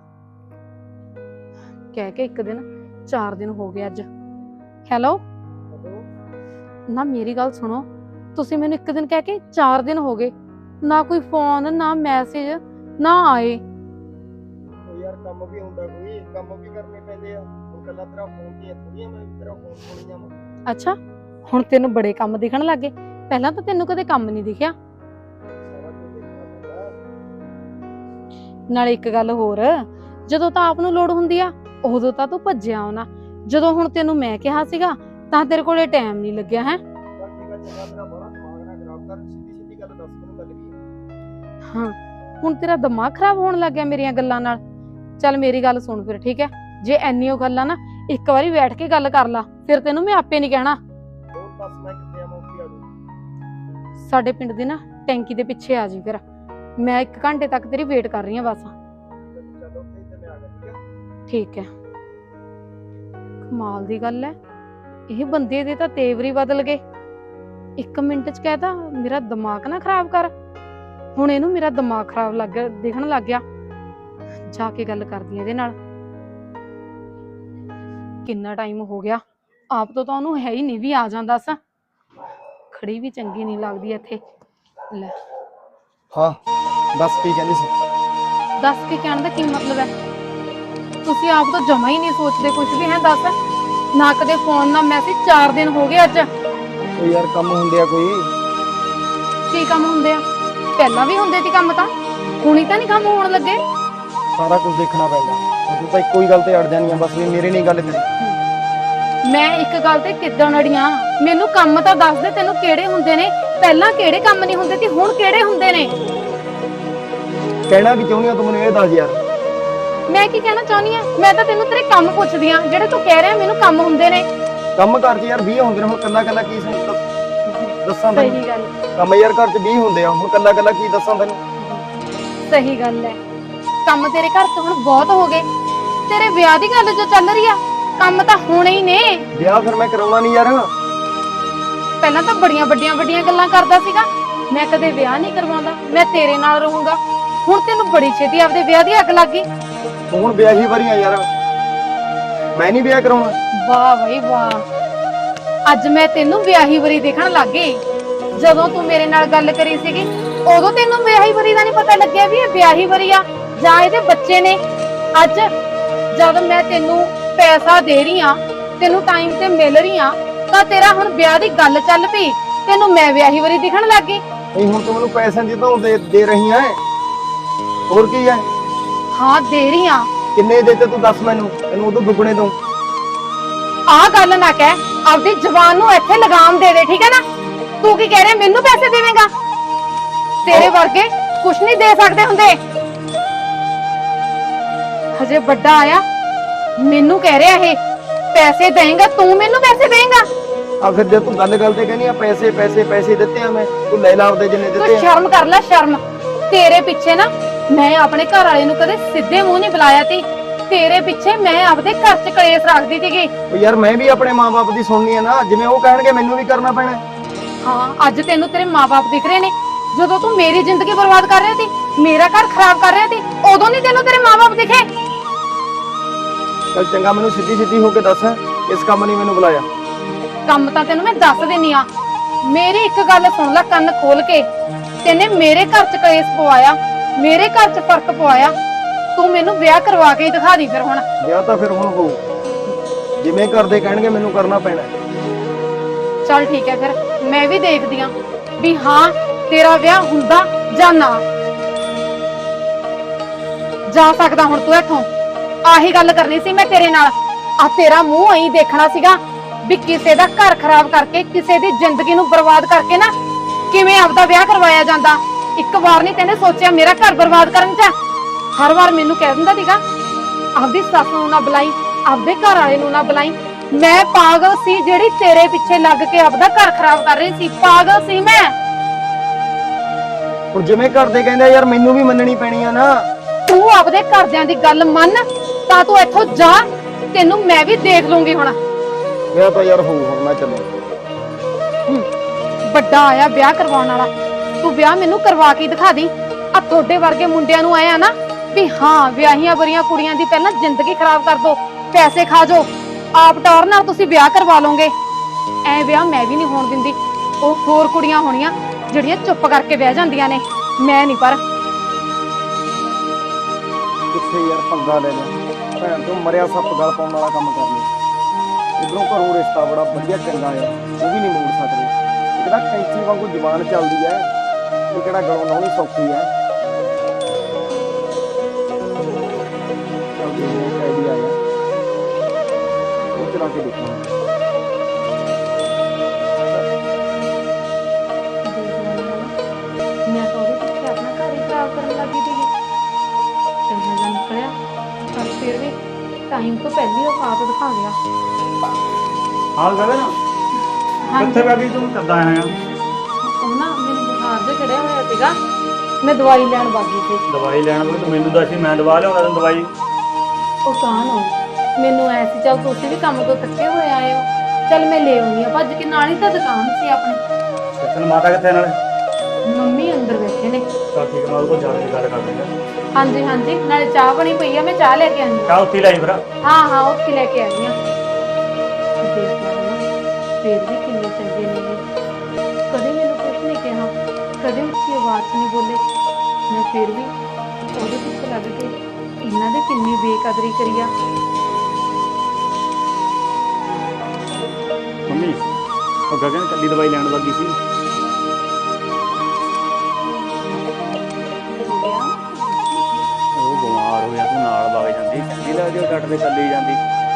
[SPEAKER 3] ਕਹਿ ਕੇ ਇੱਕ ਦਿਨ ਚਾਰ ਦਿਨ ਹੋ ਗਏ ਅੱਜ। ਹੈਲੋ ਨਾ, ਮੇਰੀ ਗੱਲ ਸੁਣੋ, ਤੁਸੀਂ ਮੈਨੂੰ ਇੱਕ ਦਿਨ ਕਹਿ ਕੇ ਚਾਰ ਦਿਨ ਹੋ ਗਏ, ਨਾ ਕੋਈ ਫੋਨ ਨਾ ਮੈਸੇਜ ਨਾ ਆਏ।
[SPEAKER 4] ਯਾਰ ਕੰਮ ਵੀ ਹੁੰਦਾ, ਕੋਈ ਕੰਮ ਵੀ ਕਰਨੇ ਪੈਂਦੇ ਆ। ਉਹ ਕੱਲਾ ਤੇਰਾ ਫੋਨ ਦੀਆਂ ਥੋੜੀਆਂ, ਮੈਂ ਤੇਰਾ ਫੋਨ ਸੁਣੀ ਜਾਵਾਂ।
[SPEAKER 3] ਅੱਛਾ, ਹੁਣ ਤੈਨੂੰ ਬੜੇ ਕੰਮ ਦਿਖਣ ਲੱਗੇ, ਪਹਿਲਾਂ ਤਾਂ ਤੈਨੂੰ ਕਦੇ ਕੰਮ ਨਹੀਂ ਦਿਖਿਆ।
[SPEAKER 4] ਸਾਰਾ ਕੁਝ ਦੇਖਣਾ ਪੈਂਦਾ।
[SPEAKER 3] ਨਾਲੇ ਇੱਕ ਗੱਲ ਹੋਰ, ਜਦੋਂ ਤਾਂ ਆਪ ਨੂੰ ਲੋੜ ਹੁੰਦੀ ਆ ਉਦੋਂ ਤਾਂ ਤੂੰ ਭੱਜਿਆ ਆਉਣਾ, ਜਦੋਂ ਹੁਣ ਤੈਨੂੰ ਮੈਂ ਕਿਹਾ ਸੀਗਾ ਤਾਂ ਤੇਰੇ ਕੋਲੇ ਟਾਈਮ ਨਹੀਂ ਲੱਗਿਆ ਹੈ।
[SPEAKER 4] ਚੱਲ ਠੀਕ ਆ, ਚੰਗਾ, ਮੇਰਾ ਬੜਾ ਦਿਮਾਗ ਨਾ ਖਰਾਬ ਕਰ, ਸਿੱਧੀ ਸਿੱਧੀ ਗੱਲ ਦੱਸ ਮੈਨੂੰ, ਗੱਲ ਕੀ ਹੈ?
[SPEAKER 3] ਹਾਂ, ਹੁਣ ਤੇਰਾ ਦਿਮਾਗ ਖਰਾਬ ਹੋਣ ਲੱਗ ਗਿਆ ਮੇਰੀਆਂ ਗੱਲਾਂ ਨਾਲ। ਚੱਲ ਮੇਰੀ ਗੱਲ ਸੁਣ ਫਿਰ, ਠੀਕ ਹੈ? ਜੇ ਐਨੀਓ ਗੱਲਾਂ ਨਾ, ਇੱਕ ਵਾਰੀ ਬੈਠ ਕੇ ਗੱਲ ਕਰ ਲਾ, ਫਿਰ ਤੈਨੂੰ ਮੈਂ ਆਪੇ ਨਹੀਂ ਕਹਿਣਾ।
[SPEAKER 4] ਹੋਰ ਦੱਸ, ਮੈਂ ਕਿੱਥੇ ਆ, ਮੈਂ ਉੱਥੇ ਆ ਜਾਊਂ।
[SPEAKER 3] ਸਾਡੇ ਪਿੰਡ ਦੀ ਨਾ ਟੈਂਕੀ ਦੇ ਪਿੱਛੇ ਆ ਜੀ, ਫਿਰ ਮੈਂ ਇੱਕ ਘੰਟੇ ਤੱਕ ਤੇਰੀ ਵੇਟ ਕਰ ਰਹੀ ਹਾਂ ਬਸ।
[SPEAKER 4] ਚੱਲ ਉੱਥੇ ਤੇ ਮੈਂ ਆ ਗਿਆ,
[SPEAKER 3] ਠੀਕ
[SPEAKER 4] ਠੀਕ ਹੈ?
[SPEAKER 3] ਹੈ। ਕਮਾਲ ਦੀ ਗੱਲ ਹੈ, ਇਹ ਬੰਦੇ ਦੇ ਤਾਂ ਤੇਵਰ ਬਦਲ ਗਏ। ਇੱਕ ਮਿੰਟ ਚ ਕਹਿਤਾ ਮੇਰਾ ਦਿਮਾਗ ਨਾ ਖਰਾਬ ਕਰ, ਹੁਣ ਇਹਨੂੰ ਮੇਰਾ ਦਿਮਾਗ ਖਰਾਬ ਲੱਗ ਗਿਆ, ਦਿਖਣ ਲੱਗ ਗਿਆ। ਜਾ ਕੇ ਗੱਲ ਕਰਦੀ ਇਹਦੇ ਨਾਲ। ਕਿੰਨਾ ਟਾਈਮ ਹੋ ਗਿਆ, ਆਪ ਤੋਂ ਤਾਂ ਉਹਨੂੰ ਹੈ ਹੀ ਨਹੀਂ ਵੀ ਆ ਜਾਂਦਾ ਸਾ। ਖੜੀ ਵੀ ਚੰਗੀ ਨਹੀਂ ਲੱਗਦੀ ਇੱਥੇ। ਲੈ
[SPEAKER 4] ਹਾਂ ਦੱਸ, ਕੀ ਕਹਿੰਦੀ ਸੀ?
[SPEAKER 3] ਦੱਸ ਕੇ ਕਹਿਣ ਦਾ ਕੀ ਮਤਲਬ ਹੈ? ਤੁਸੀਂ ਆਪ ਤਾਂ ਜਮਾ ਹੀ ਨਹੀਂ ਸੋਚਦੇ ਕੁਝ ਵੀ ਹੈ। ਦੱਸ, ਨਾ ਕਦੇ ਫੋਨ ਨਾ ਮੈਸੇਜ, ਚਾਰ ਦਿਨ ਹੋ ਗਏ ਅੱਜ।
[SPEAKER 4] ਉਹ ਯਾਰ ਕੰਮ ਹੁੰਦੇ ਆ ਕੋਈ।
[SPEAKER 3] ਕੀ ਕੰਮ ਹੁੰਦੇ ਆ? ਪਹਿਲਾਂ ਵੀ ਹੁੰਦੇ ਸੀ ਕੰਮ ਤਾਂ, ਹੁਣੀ ਤਾਂ ਨਹੀਂ ਕੰਮ ਹੋਣ ਲੱਗੇ।
[SPEAKER 4] ਸਾਰਾ ਕੁਝ ਦੇਖਣਾ ਪੈਂਦਾ। ਹੁਣ ਤੂੰ ਤਾਂ ਇੱਕੋ ਹੀ ਗੱਲ ਤੇ ਅੜ ਜਾਣੀ ਆ ਬਸ, ਵੀ ਮੇਰੇ ਨਹੀਂ ਗੱਲ ਕਰੀ।
[SPEAKER 3] ਮੈਂ ਇੱਕ ਗੱਲ ਤੇ ਕਿੱਦਾਂ ਅੜੀਆਂ? ਮੈਨੂੰ ਕੰਮ ਤਾਂ ਦੱਸ ਦੇ, ਤੈਨੂੰ ਕਿਹੜੇ ਹੁੰਦੇ ਨੇ? ਪਹਿਲਾਂ ਕਿਹੜੇ ਕੰਮ ਨਹੀਂ ਹੁੰਦੇ ਸੀ, ਹੁਣ ਕਿਹੜੇ ਹੁੰਦੇ ਨੇ?
[SPEAKER 4] ਕਹਿਣਾ ਕੀ ਚਾਹੁੰਦੀ ਆ ਤੂੰ, ਮੈਨੂੰ ਇਹ ਦੱਸ ਯਾਰ।
[SPEAKER 3] ਮੈਂ ਕੀ ਕਹਿਣਾ ਚਾਹੁੰਦੀ ਆ? ਮੈਂ ਤਾਂ ਤੈਨੂੰ ਤੇਰੇ ਕੰਮ ਪੁੱਛਦੀ ਆ, ਜਿਹੜੇ ਤੂੰ ਕਹਿ ਰਿਹਾ ਮੈਨੂੰ ਕੰਮ ਹੁੰਦੇ ਨੇ।
[SPEAKER 4] ਕੰਮ ਘਰ 'ਚ ਯਾਰ ਵੀਹ ਹੁੰਦੇ ਨੇ, ਹੁਣ ਕੱਲਾ ਕੱਲਾ ਕੀ ਸੀ ਦੱਸਾਂ ਤੈਨੂੰ?
[SPEAKER 3] ਸਹੀ ਗੱਲ,
[SPEAKER 4] ਕੰਮ ਯਾਰ ਘਰ 'ਚ ਵੀਹ ਹੁੰਦੇ ਆ, ਹੁਣ ਕੱਲਾ ਕੱਲਾ ਕੀ ਦੱਸਾਂ ਤੈਨੂੰ?
[SPEAKER 3] ਸਹੀ ਗੱਲ ਹੈ। ਕੰਮ ਤੇਰੇ ਘਰ 'ਚ ਹੁਣ ਬਹੁਤ ਹੋ ਗਏ। ਤੇਰੇ ਵਿਆਹ ਦੀ ਗੱਲ ਜੋ ਚੱਲ ਰਹੀ ਆ, ਕੰਮ ਤਾਂ ਹੋਣੇ ਹੀ ਨੇ।
[SPEAKER 4] ਵਿਆਹ ਫਿਰ ਮੈਂ ਕਰਾਉਣਾ ਨਹੀਂ ਯਾਰ।
[SPEAKER 3] ਪਹਿਲਾਂ ਤਾਂ ਬੜੀਆਂ ਵੱਡੀਆਂ ਵੱਡੀਆਂ ਗੱਲਾਂ ਕਰਦਾ ਸੀਗਾ, ਮੈਂ ਕਦੇ ਵਿਆਹ ਨਹੀਂ ਕਰਵਾਉਂਦਾ, ਮੈਂ ਤੇਰੇ ਨਾਲ ਰਹੂੰਗਾ। ਹੁਣ ਤੈਨੂੰ ਬੜੀ ਛੇਤੀ ਆਪਦੇ ਵਿਆਹ ਦੀ ਅੱਗ ਲੱਗ ਗਈ।
[SPEAKER 4] ਹੁਣ ਵਿਆਹੀ ਵਾਰੀਆਂ ਯਾਰ, ਮੈਂ ਨਹੀਂ ਵਿਆਹ ਕਰਾਉਣਾ।
[SPEAKER 3] ਵਾਹ ਬਈ ਵਾਹ, ਅੱਜ ਮੈਂ ਤੈਨੂੰ ਵਿਆਹੀ ਵਰੀ ਦੇਖਣ ਲੱਗ ਗਈ। ਜਦੋਂ ਤੂੰ ਮੇਰੇ ਨਾਲ ਗੱਲ ਕਰੀ ਸੀਗੀ, ਉਦੋਂ ਤੈਨੂੰ ਵਿਆਹੀ ਵਰੀ ਦਾ ਨਹੀਂ ਪਤਾ ਲੱਗਿਆ ਵੀ ਇਹ ਵਿਆਹੀ ਵਰੀ ਆ ਜਾਂ ਇਹਦੇ ਬੱਚੇ ਨੇ। ਅੱਜ ਜਦ ਮੈਂ ਤੈਨੂੰ ਪੈਸਾ ਦੇ ਰਹੀ ਆ, ਤੈਨੂੰ ਟਾਈਮ ਤੇ ਮਿਲ ਰਹੀ ਆ, ਤਾਂ ਤੇਰਾ ਹੁਣ ਵਿਆਹ ਦੀ ਗੱਲ ਚੱਲ ਪਈ, ਤੈਨੂੰ ਮੈਂ ਵਿਆਹੀ ਵਰੀ ਦਿਖਣ ਲੱਗ ਗਈ।
[SPEAKER 4] ਨਹੀਂ ਹੁਣ ਤੂੰ ਮੈਨੂੰ ਪੈਸੇ ਦੀ ਤਾਂ ਦੇ ਦੇ ਰਹੀ ਆ, ਹੋਰ ਕੀ ਹੈ?
[SPEAKER 3] ਹਾਂ ਦੇ ਰਹੀ ਆ।
[SPEAKER 4] ਕਿੰਨੇ ਦੇ ਤੇ ਤੂੰ ਦੱਸ ਮੈਨੂੰ, ਤੈਨੂੰ ਉਦੋਂ ਦੁੱਗਣੇ ਦਊਂ।
[SPEAKER 3] ਆਹ ਗੱਲ ਨਾ ਕਹਿ, ਆਪਦੀ ਜ਼ੁਬਾਨ ਨੂੰ ਇੱਥੇ ਲਗਾਮ ਦੇ ਦੇ, ਠੀਕ ਹੈ ਨਾ? ਤੂੰ ਕੀ ਕਹਿ ਰਿਹਾ, ਮੈਨੂੰ ਪੈਸੇ ਦੇਵੇਂਗਾ? ਤੇਰੇ ਵਰਗੇ ਕੁਛ ਨਹੀਂ ਦੇ ਸਕਦੇ ਹੁੰਦੇ। ਹਜੇ ਵੱਡਾ ਆਇਆ, ਮੈਨੂੰ ਕਹਿ ਰਿਹਾ ਇਹ ਪੈਸੇ ਦੇਂਗਾ, ਤੂੰ ਮੈਨੂੰ ਪੈਸੇ ਦੇਂਗਾ?
[SPEAKER 4] ਆ ਫਿਰ ਜੇ ਤੂੰ ਗੱਲ ਗੱਲ ਤੇ ਕਹਿੰਦੀ ਆ ਪੈਸੇ ਪੈਸੇ ਪੈਸੇ ਦਿੱਤੇ ਆ, ਮੈਂ ਤੂੰ ਲੈ ਲਾ ਆਪਦੇ ਜਿੰਨੇ
[SPEAKER 3] ਤੂੰ
[SPEAKER 4] ਦਿੱਤੇ ਆ।
[SPEAKER 3] ਸ਼ਰਮ ਕਰ ਲੈ, ਸ਼ਰਮ। ਤੇਰੇ ਪਿੱਛੇ ਨਾ ਮੈਂ ਆਪਣੇ ਘਰ ਵਾਲੇ ਨੂੰ ਕਦੇ ਸਿੱਧੇ ਮੂੰਹ ਨਹੀਂ ਬੁਲਾਇਆ ਤੀ, ਤੇਰੇ ਪਿੱਛੇ ਮੈਂ ਆਪਦੇ ਘਰ 'ਚ ਕਲੇਸ਼ ਰੱਖਦੀ ਸੀਗੀ।
[SPEAKER 4] ਉਹ ਯਾਰ ਮੈਂ ਵੀ ਆਪਣੇ ਮਾਪੇ ਦੀ ਸੁਣਨੀ ਆ ਨਾ, ਜਿਵੇਂ ਉਹ ਕਹਿਣਗੇ ਮੈਨੂੰ ਵੀ ਕਰਨਾ ਪੈਣਾ।
[SPEAKER 3] ਹਾਂ, ਅੱਜ ਤੈਨੂੰ ਤੇਰੇ ਮਾਪੇ ਦਿਖ ਰਹੇ ਨੇ। ਜਦੋਂ ਤੂੰ ਮੇਰੀ ਜ਼ਿੰਦਗੀ ਬਰਬਾਦ ਕਰ ਰਿਹਾ ਸੀ, ਮੇਰਾ ਘਰ ਖਰਾਬ ਕਰ ਰਿਹਾ ਸੀ, ਉਦੋਂ ਨਹੀਂ ਤੈਨੂੰ ਤੇਰੇ ਮਾਪੇ ਦਿਖੇ?
[SPEAKER 4] ਚੱਲ ਚੰਗਾ, ਮੈਨੂੰ ਸਿੱਧੀ ਸਿੱਧੀ ਹੋ ਕੇ ਦੱਸ, ਇਸ ਕੰਮ ਨਹੀਂ ਮੈਨੂੰ ਬੁਲਾਇਆ।
[SPEAKER 3] ਕੰਮ ਤਾਂ ਤੈਨੂੰ ਮੈਂ ਦੱਸ ਦਿੰਨੀ ਆ, ਮੇਰੀ ਇੱਕ ਗੱਲ ਸੁਣ ਲੈ ਕੰਨ ਖੋਲ ਕੇ। ਤੈਨੇ ਮੇਰੇ ਘਰ ਚ ਕਲੇਸ਼ ਪਵਾਇਆ, ਮੇਰੇ ਘਰ ਚ ਫਰਕ ਪਵਾਇਆ। ਤੂੰ ਮੈਨੂੰ ਵਿਆਹ ਕਰਵਾ ਕੇ ਹੀ ਦਿਖਾ ਦੀ ਫਿਰ ਹੁਣ।
[SPEAKER 4] ਵਿਆਹ ਤਾਂ ਫਿਰ ਹੁਣ ਹੋਊ, ਜਿਵੇਂ ਕਰਦੇ ਕਹਿਣਗੇ ਮੈਨੂੰ ਕਰਨਾ ਪੈਣਾ।
[SPEAKER 3] ਚੱਲ ਠੀਕ ਹੈ ਫਿਰ ਮੈਂ ਵੀ ਦੇਖਦੀ ਆਂ ਵੀ ਹਾਂ ਤੇਰਾ ਵਿਆਹ ਹੁੰਦਾ ਜਾਂ ਨਾ। ਜਾ ਸਕਦਾ ਹੁਣ ਤੂੰ ਇੱਥੋਂ। ਆਹੀ ਗੱਲ ਕਰਨੀ ਸੀ ਮੈਂ ਤੇਰੇ ਨਾਲ। ਆ ਤੇਰਾ ਮੂੰਹ ਐਂ ਦੇਖਣਾ ਸੀਗਾ ਵੀ ਕਿਸੇ ਦਾ ਘਰ ਖਰਾਬ ਕਰਕੇ, ਕਿਸੇ ਦੀ ਜ਼ਿੰਦਗੀ ਨੂੰ ਬਰਬਾਦ ਕਰਕੇ ਨਾ ਕਿਵੇਂ ਆਪਦਾ ਵਿਆਹ ਕਰਵਾਇਆ ਜਾਂਦਾ। ਇੱਕ ਵਾਰ ਨਹੀਂ ਤੈਨੇ ਸੋਚਿਆ ਮੇਰਾ ਘਰ ਬਰਬਾਦ ਕਰਨ ਚ। ਹਰ ਵਾਰ ਮੈਨੂੰ ਕਹਿ ਦਿੰਦਾ ਸੀਗਾ ਆਪਦੀ ਸੱਸ ਨੂੰ ਨਾ ਬੁਲਾਈ, ਆਪਦੇ ਘਰ ਵਾਲੇ ਨੂੰ ਨਾ ਬੁਲਾਈ। ਮੈਂ ਪਾਗਲ ਸੀ ਜਿਹੜੀ ਤੇਰੇ ਪਿੱਛੇ ਲੱਗ ਕੇ ਆਪਦਾ ਘਰ ਖਰਾਬ ਕਰ ਰਹੀ ਸੀ। ਪਾਗਲ ਸੀ ਮੈਂ।
[SPEAKER 4] ਹੁਣ ਜਿਵੇਂ ਕਰਦੇ ਕਹਿੰਦੇ ਯਾਰ ਮੈਨੂੰ ਵੀ ਮੰਨਣੀ ਪੈਣੀ ਆ ਨਾ।
[SPEAKER 3] ਤੂੰ ਆਪਦੇ ਘਰਦਿਆਂ ਦੀ ਗੱਲ ਮੰਨ ਤਾਂ ਤੂੰ ਇੱਥੋਂ ਜਾ। ਤੈਨੂੰ ਮੈਂ ਵੀ ਦੇਖ ਲੂੰਗੀ ਹੁਣ।
[SPEAKER 4] ਵਿਆਹ ਤਾਂ ਯਾਰ ਹੋਊ, ਹੁਣ ਮੈਂ ਚੱਲਾਂ।
[SPEAKER 3] ਵੱਡਾ ਆਇਆ ਵਿਆਹ ਕਰਵਾਉਣ ਵਾਲਾ। ਤੂੰ ਵਿਆਹ ਮੈਨੂੰ ਕਰਵਾ ਕੇ ਦਿਖਾ ਦੀ। ਆ ਤੁਹਾਡੇ ਵਰਗੇ ਮੁੰਡਿਆਂ ਨੂੰ ਆਇਆ ਨਾ ਵੀ ਹਾਂ ਵਿਆਹੀਆਂ ਬਰੀਆਂ ਕੁੜੀਆਂ ਦੀ ਪਹਿਲਾਂ ਜ਼ਿੰਦਗੀ ਖਰਾਬ ਕਰ ਦੋ, ਪੈਸੇ ਖਾ ਜਾਓ, ਆਪ ਟੌਰ ਨਾਲ ਤੁਸੀਂ ਵਿਆਹ ਕਰਵਾ ਲਓਗੇ। ਐ ਵਿਆਹ ਮੈਂ ਵੀ ਨਹੀਂ ਹੋਣ ਦਿੰਦੀ। ਉਹ ਹੋਰ ਕੁੜੀਆਂ ਹੋਣੀਆਂ ਜਿਹੜੀਆਂ ਚੁੱਪ ਕਰਕੇ ਬਹਿ ਜਾਂਦੀਆਂ ਨੇ, ਮੈਂ ਨਹੀਂ। ਪਰ
[SPEAKER 4] ਕਿੱਥੇ ਯਾਰ ਪੰਗਾ ਲੈ ਲਿਆ, ਭੈਣ ਤੋਂ ਮਰਿਆ ਸੱਪ ਗਲ ਪਾਉਣ ਵਾਲਾ ਕੰਮ ਕਰ ਲਿਆ। ਉਧਰੋਂ ਘਰੋਂ ਰਿਸ਼ਤਾ ਬੜਾ ਵਧੀਆ ਚੰਗਾ ਆ, ਉਹ ਵੀ ਨਹੀਂ ਮੋੜ ਸਕਦੇ। ਇੱਕ ਤਾਂ ਕੈਂਚੀ ਵਾਂਗੂ ਜ਼ੁਬਾਨ ਚੱਲਦੀ ਐ, ਇਹ ਕਿਹੜਾ ਗਲੋਂ ਲਾਉਣੀ ਸੌਖੀ ਐ। ਚੱਲ ਦੇਖਦੇ ਇੱਕ ਆਈਡੀਆ ਆਇਆ, ਉਹ ਚਲਾ ਕੇ ਦੇਖਾਂਗੇ।
[SPEAKER 3] ਮੈਂ ਤਾਂ ਉਹਦੇ ਪਿੱਛੇ ਆਪਣਾ ਘਰ ਹੀ ਖਰਾਬ ਕਰਨ ਲੱਗੀ ਸੀਗੀ। ਇਹੋ ਜਿਹਾ ਨਿਕਲਿਆ ਪਰ ਫਿਰ ਵੀ ਟਾਈਮ ਤੋਂ ਪਹਿਲੀ ਉਹ ਆਪ ਦਿਖਾ ਗਿਆ।
[SPEAKER 2] ਹਾਲ ਗਗਨ ਕਿੱਥੇ ਬੈ ਗਈ ਤੂੰ? ਕਿੱਦਾਂ ਆਇਆ?
[SPEAKER 3] ਉਹ ਨਾ ਮੈਨੂੰ ਬੁਖਾਰ ਜਿਹਾ ਚੜਿਆ ਹੋਇਆ ਸੀਗਾ, ਮੈਂ ਦਵਾਈ ਲੈਣ ਬਾਗੀ ਸੀ।
[SPEAKER 2] ਦਵਾਈ ਲੈਣ ਬਈ ਤੂੰ ਮੈਨੂੰ ਦੱਸੀ, ਮੈਂ ਦਵਾ ਲਿਆਉਂਦਾ ਤੈਨੂੰ ਦਵਾਈ।
[SPEAKER 3] ਉਹ ਕਾਹ ਨੂੰ ਮੈਨੂੰ ਐ ਸੀ ਚੱਲ ਤੁਸੀਂ ਵੀ ਕੰਮ ਤੋਂ ਥੱਕੇ ਹੋਏ ਆਏ ਹੋ, ਚੱਲ ਮੈਂ ਲੈ ਆਉਣੀ ਆ ਭੱਜ ਕੇ। ਨਾਲ ਹੀ ਤਾਂ ਦੁਕਾਨ ਸੀ ਆਪਣੀ।
[SPEAKER 2] ਤੈਨੂੰ ਮਾਤਾ ਕਿੱਥੇ ਨਾਲੇ?
[SPEAKER 3] ਮੰਮੀ ਅੰਦਰ ਬੈਠੇ ਨੇ।
[SPEAKER 2] ਚੱਲ ਠੀਕ ਹੈ, ਮੈਂ ਉਹਦੇ ਕੋਲ ਜਾ ਕੇ ਗੱਲ ਕਰ ਦਿੰਦਾ।
[SPEAKER 3] ਹਾਂਜੀ ਹਾਂਜੀ, ਨਾਲੇ ਚਾਹ ਬਣੀ ਪਈ ਆ, ਮੈਂ ਚਾਹ ਲੈ ਕੇ ਆਉਂਦੀ ਹਾਂ।
[SPEAKER 2] ਚਾਹ ਉੱਥੇ ਲਈ ਫਿਰ।
[SPEAKER 3] ਹਾਂ ਹਾਂ ਉੱਥੇ ਲੈ ਕੇ ਆਈ ਆ। ਦੇਖ ਲਾ ਨਾ ਫੇਰ ਵੀ ਕਿੰਨੇ ਚੰਗੇ ਨੇ ਇਹ। ਕਦੇ ਮੈਨੂੰ ਕੁਛ ਨਹੀਂ ਕਿਹਾ, ਕਦੇ ਉੱਚੀ ਆਵਾਜ਼ 'ਚ ਨਹੀਂ ਬੋਲੇ। ਮੈਂ ਫਿਰ ਵੀ ਉਹਦੇ ਪਿੱਛੇ ਲੱਗ ਕੇ ਇਹਨਾਂ ਦੀ ਕਿੰਨੀ ਬੇਕਦਰੀ ਕਰੀ ਆ।
[SPEAKER 2] ਮੰਮੀ ਉਹ ਗਗਨ ਕੱਲੀ ਦਵਾਈ ਲੈਣ ਲੱਗੀ ਸੀ। ਉਹ ਬਿਮਾਰ ਹੋ ਗਿਆ, ਤੂੰ ਨਾਲ ਵਗ ਜਾਂਦੀ, ਚੰਗੀ ਲੱਗਦੀ ਉਹ ਡਾਕਟਰ ਦੇ ਕੱਲੀ ਜਾਂਦੀ।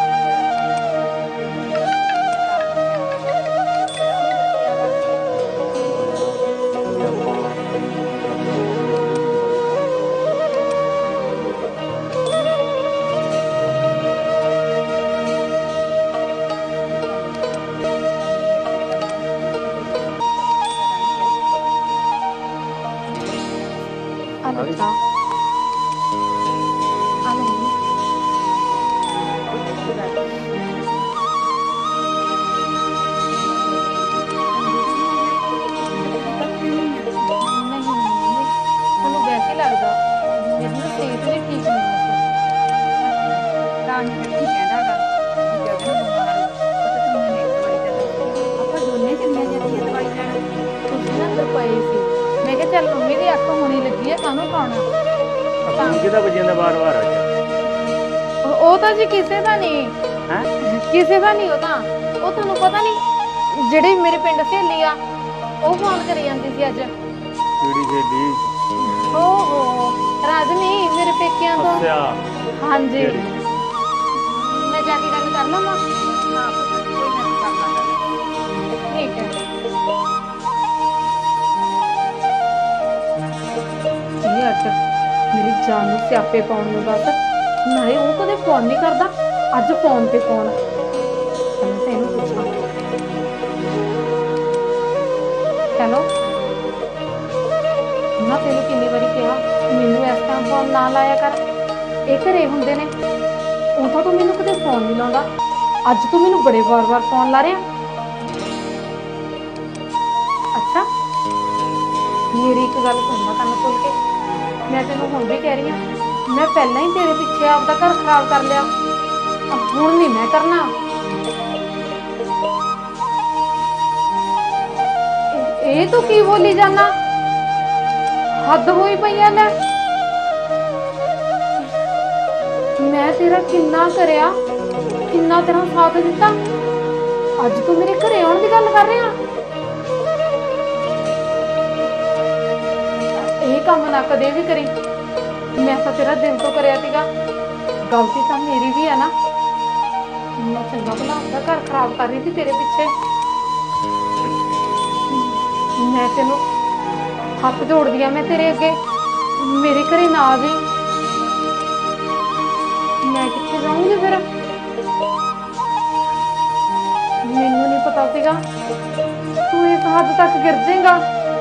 [SPEAKER 3] अच्छा ਵੈਸੇ ਲੱਗਦਾ ਮੇਰੀ ਨਾ ਸਿਹਤ ਵੀ ਠੀਕ ਨਹੀਂ ਹੈ।
[SPEAKER 1] ਤਾਂ ਹੀ ਤਾਂ ਕੀ ਕਹਿੰਦਾ ਗਾ ਵੀ ਗਗਨ ਬਿਮਾਰ ਹੋ। ਉਹ ਤਾਂ ਤੂੰ ਮੈਨੂੰ ਇੱਕ ਵਾਰੀ ਤਾਂ ਦੱਸੀ, ਆਪਾਂ ਦੋਨੇ ਚਲੀਆਂ ਜਾਂਦੀਆਂ ਦਵਾਈ ਲੈਣ।
[SPEAKER 3] ਤੁਸੀਂ ਨਾ ਅੰਦਰ ਪਏ ਸੀ, ਮੈਂ ਕਿਹਾ ਚੱਲ ਮੰਮੀ ਦੀ ਅੱਖ ਹੋਣੀ ਲੱਗੀ ਹੈ, ਕਾਹਨੂੰ ਖਾਣਾ।
[SPEAKER 2] ਤਾਂ ਕਿਹਦਾ ਵਜਿਆ ਦਾ ਵਾਰ ਵਾਰ ਆ?
[SPEAKER 3] ਉਹ ਤਾਂ ਜੀ ਕਿਸੇ ਦਾ ਨਹੀਂ
[SPEAKER 2] ਹੈ,
[SPEAKER 3] ਕਿਸੇ ਦਾ ਨਹੀਂ। ਉਹ ਤਾਂ ਉਹ ਤੁਹਾਨੂੰ ਪਤਾ ਨਹੀਂ ਜਿਹੜੀ ਮੇਰੇ ਪਿੰਡ ਸਹੇਲੀ ਆ ਉਹ ਫੋਨ ਕਰੀ ਜਾਂਦੀ ਸੀ ਅੱਜ।
[SPEAKER 2] ਕਿਹੜੀ ਸਹੇਲੀ?
[SPEAKER 3] ਓਹੋ ਰਾਜਨੀ ਮੇਰੇ ਪੇਕਿਆਂ ਤੋਂ।
[SPEAKER 2] ਅੱਛਾ
[SPEAKER 3] ਹਾਂਜੀ ਮੈਂ ਜਾ ਕੇ ਗੱਲ ਕਰ ਲਵਾਂ।
[SPEAKER 1] ਹਾਂ ਕੋਈ ਨਾ ਤੂੰ ਕਰ ਲਾ ਗੱਲ।
[SPEAKER 3] ਠੀਕ ਹੈ। ਇਹ ਅੱਡ ਮੇਰੀ ਜਾਨ ਨੂੰ ਸਿਆਪੇ ਪਾਉਣ ਨੂੰ ਬਸ। ਨਾਲੇ ਉਹ ਕਦੇ ਫੋਨ ਨਹੀਂ ਕਰਦਾ, ਅੱਜ ਫੋਨ ਤੇ ਫੋਨ। ਪਹਿਲਾਂ ਤਾਂ ਇਹਨੂੰ ਪੁੱਛਾਂ। ਹੈਲੋ ਨਾ, ਤੈਨੂੰ ਕਿੰਨੀ ਵਾਰੀ ਕਿਹਾ ਮੈਨੂੰ ਇਸ ਟਾਈਮ ਫੋਨ ਨਾ ਲਾਇਆ ਕਰ, ਇਹ ਘਰੇ ਹੁੰਦੇ ਨੇ। ਉਦੋਂ ਤੂੰ ਮੈਨੂੰ ਕਦੇ ਫੋਨ ਨਹੀਂ ਲਾਉਂਦਾ, ਅੱਜ ਤੂੰ ਮੈਨੂੰ ਬੜੇ ਵਾਰ-ਵਾਰ ਫੋਨ ਲਾ ਰਿਹਾ। ਅੱਛਾ ਮੇਰੀ ਇੱਕ ਗੱਲ ਸੁਣ ਲੈ ਕੰਨ ਖੋਲ ਕੇ, ਮੈਂ ਤੈਨੂੰ ਹੁਣ ਵੀ ਕਹਿ ਰਹੀ ਹਾਂ, ਮੈਂ ਪਹਿਲਾਂ ਹੀ ਤੇਰੇ ਪਿੱਛੇ ਆਪਦਾ ਘਰ ਖਰਾਬ ਕਰ ਲਿਆ, ਹੁਣ ਨਹੀਂ ਮੈਂ ਕਰਨਾ। ਇਹ ਤੂੰ ਕੀ ਬੋਲੀ ਜਾਨਾ? ਹੱਦ ਹੋਈ ਪਈਆਂ ਲੈ। ਮੈਂ ਤੇਰਾ ਕਿੰਨਾ ਕਰਿਆ, ਕਿੰਨਾ ਤੇਰਾ ਸਾਥ ਦਿੱਤਾ, ਅੱਜ ਤੂੰ ਮੇਰੇ ਘਰੇ ਆਉਣ ਦੀ ਗੱਲ ਕਰ ਰਿਹਾ? ਇਹ ਕੰਮ ਨਾ ਕਦੇ ਵੀ ਕਰੀ। ਮੈਂ ਤਾਂ ਤੇਰਾ ਦਿਲ ਤੋਂ ਕਰਿਆ ਸੀਗਾ। ਗਲਤੀ ਤਾਂ ਮੇਰੀ ਵੀ ਹੈ ਨਾ। ਮੈਂ ਚੰਗਾ ਭਲਾ ਆਪਦਾ ਘਰ ਖਰਾਬ ਕਰ ਰਹੀ ਸੀ ਤੇਰੇ ਪਿੱਛੇ। ਮੈਂ ਤੈਨੂੰ ਹੱਥ ਜੋੜਦੀ ਆ, ਮੈਂ ਤੇਰੇ ਅੱਗੇ, ਮੇਰੇ ਘਰੇ ਨਾ ਆ ਜਾਈਂ। ਮੈਂ ਕਿੱਥੇ ਜਾਊਂਗੀ ਫਿਰ? ਮੈਨੂੰ ਨਹੀਂ ਪਤਾ ਸੀਗਾ ਤੂੰ ਇਸ ਹੱਦ ਤੱਕ ਗਿਰ ਜਾਏਗਾ।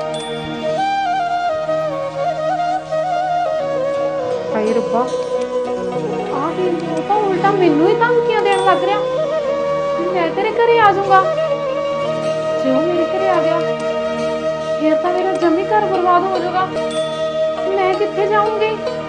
[SPEAKER 3] ਹਾਏ ਰੱਬਾ, ਆਹ ਕੀ, ਉਹ ਤਾਂ ਉਲਟਾ ਮੈਨੂੰ ਹੀ ਧਮਕੀਆਂ ਦੇਣ ਲੱਗ ਰਿਹਾ। ਮੈਂ ਤੇਰੇ ਘਰੇ ਆ ਜਾਊਂਗਾ। ਜੇ ਉਹ ਮੇਰੇ ਘਰੇ ਆ ਗਿਆ ਫਿਰ ਤਾਂ ਮੇਰਾ ਜਮੀ ਘਰ ਬਰਬਾਦ ਹੋ ਜਾਊਗਾ। ਮੈਂ ਕਿੱਥੇ ਜਾਊਂਗੀ?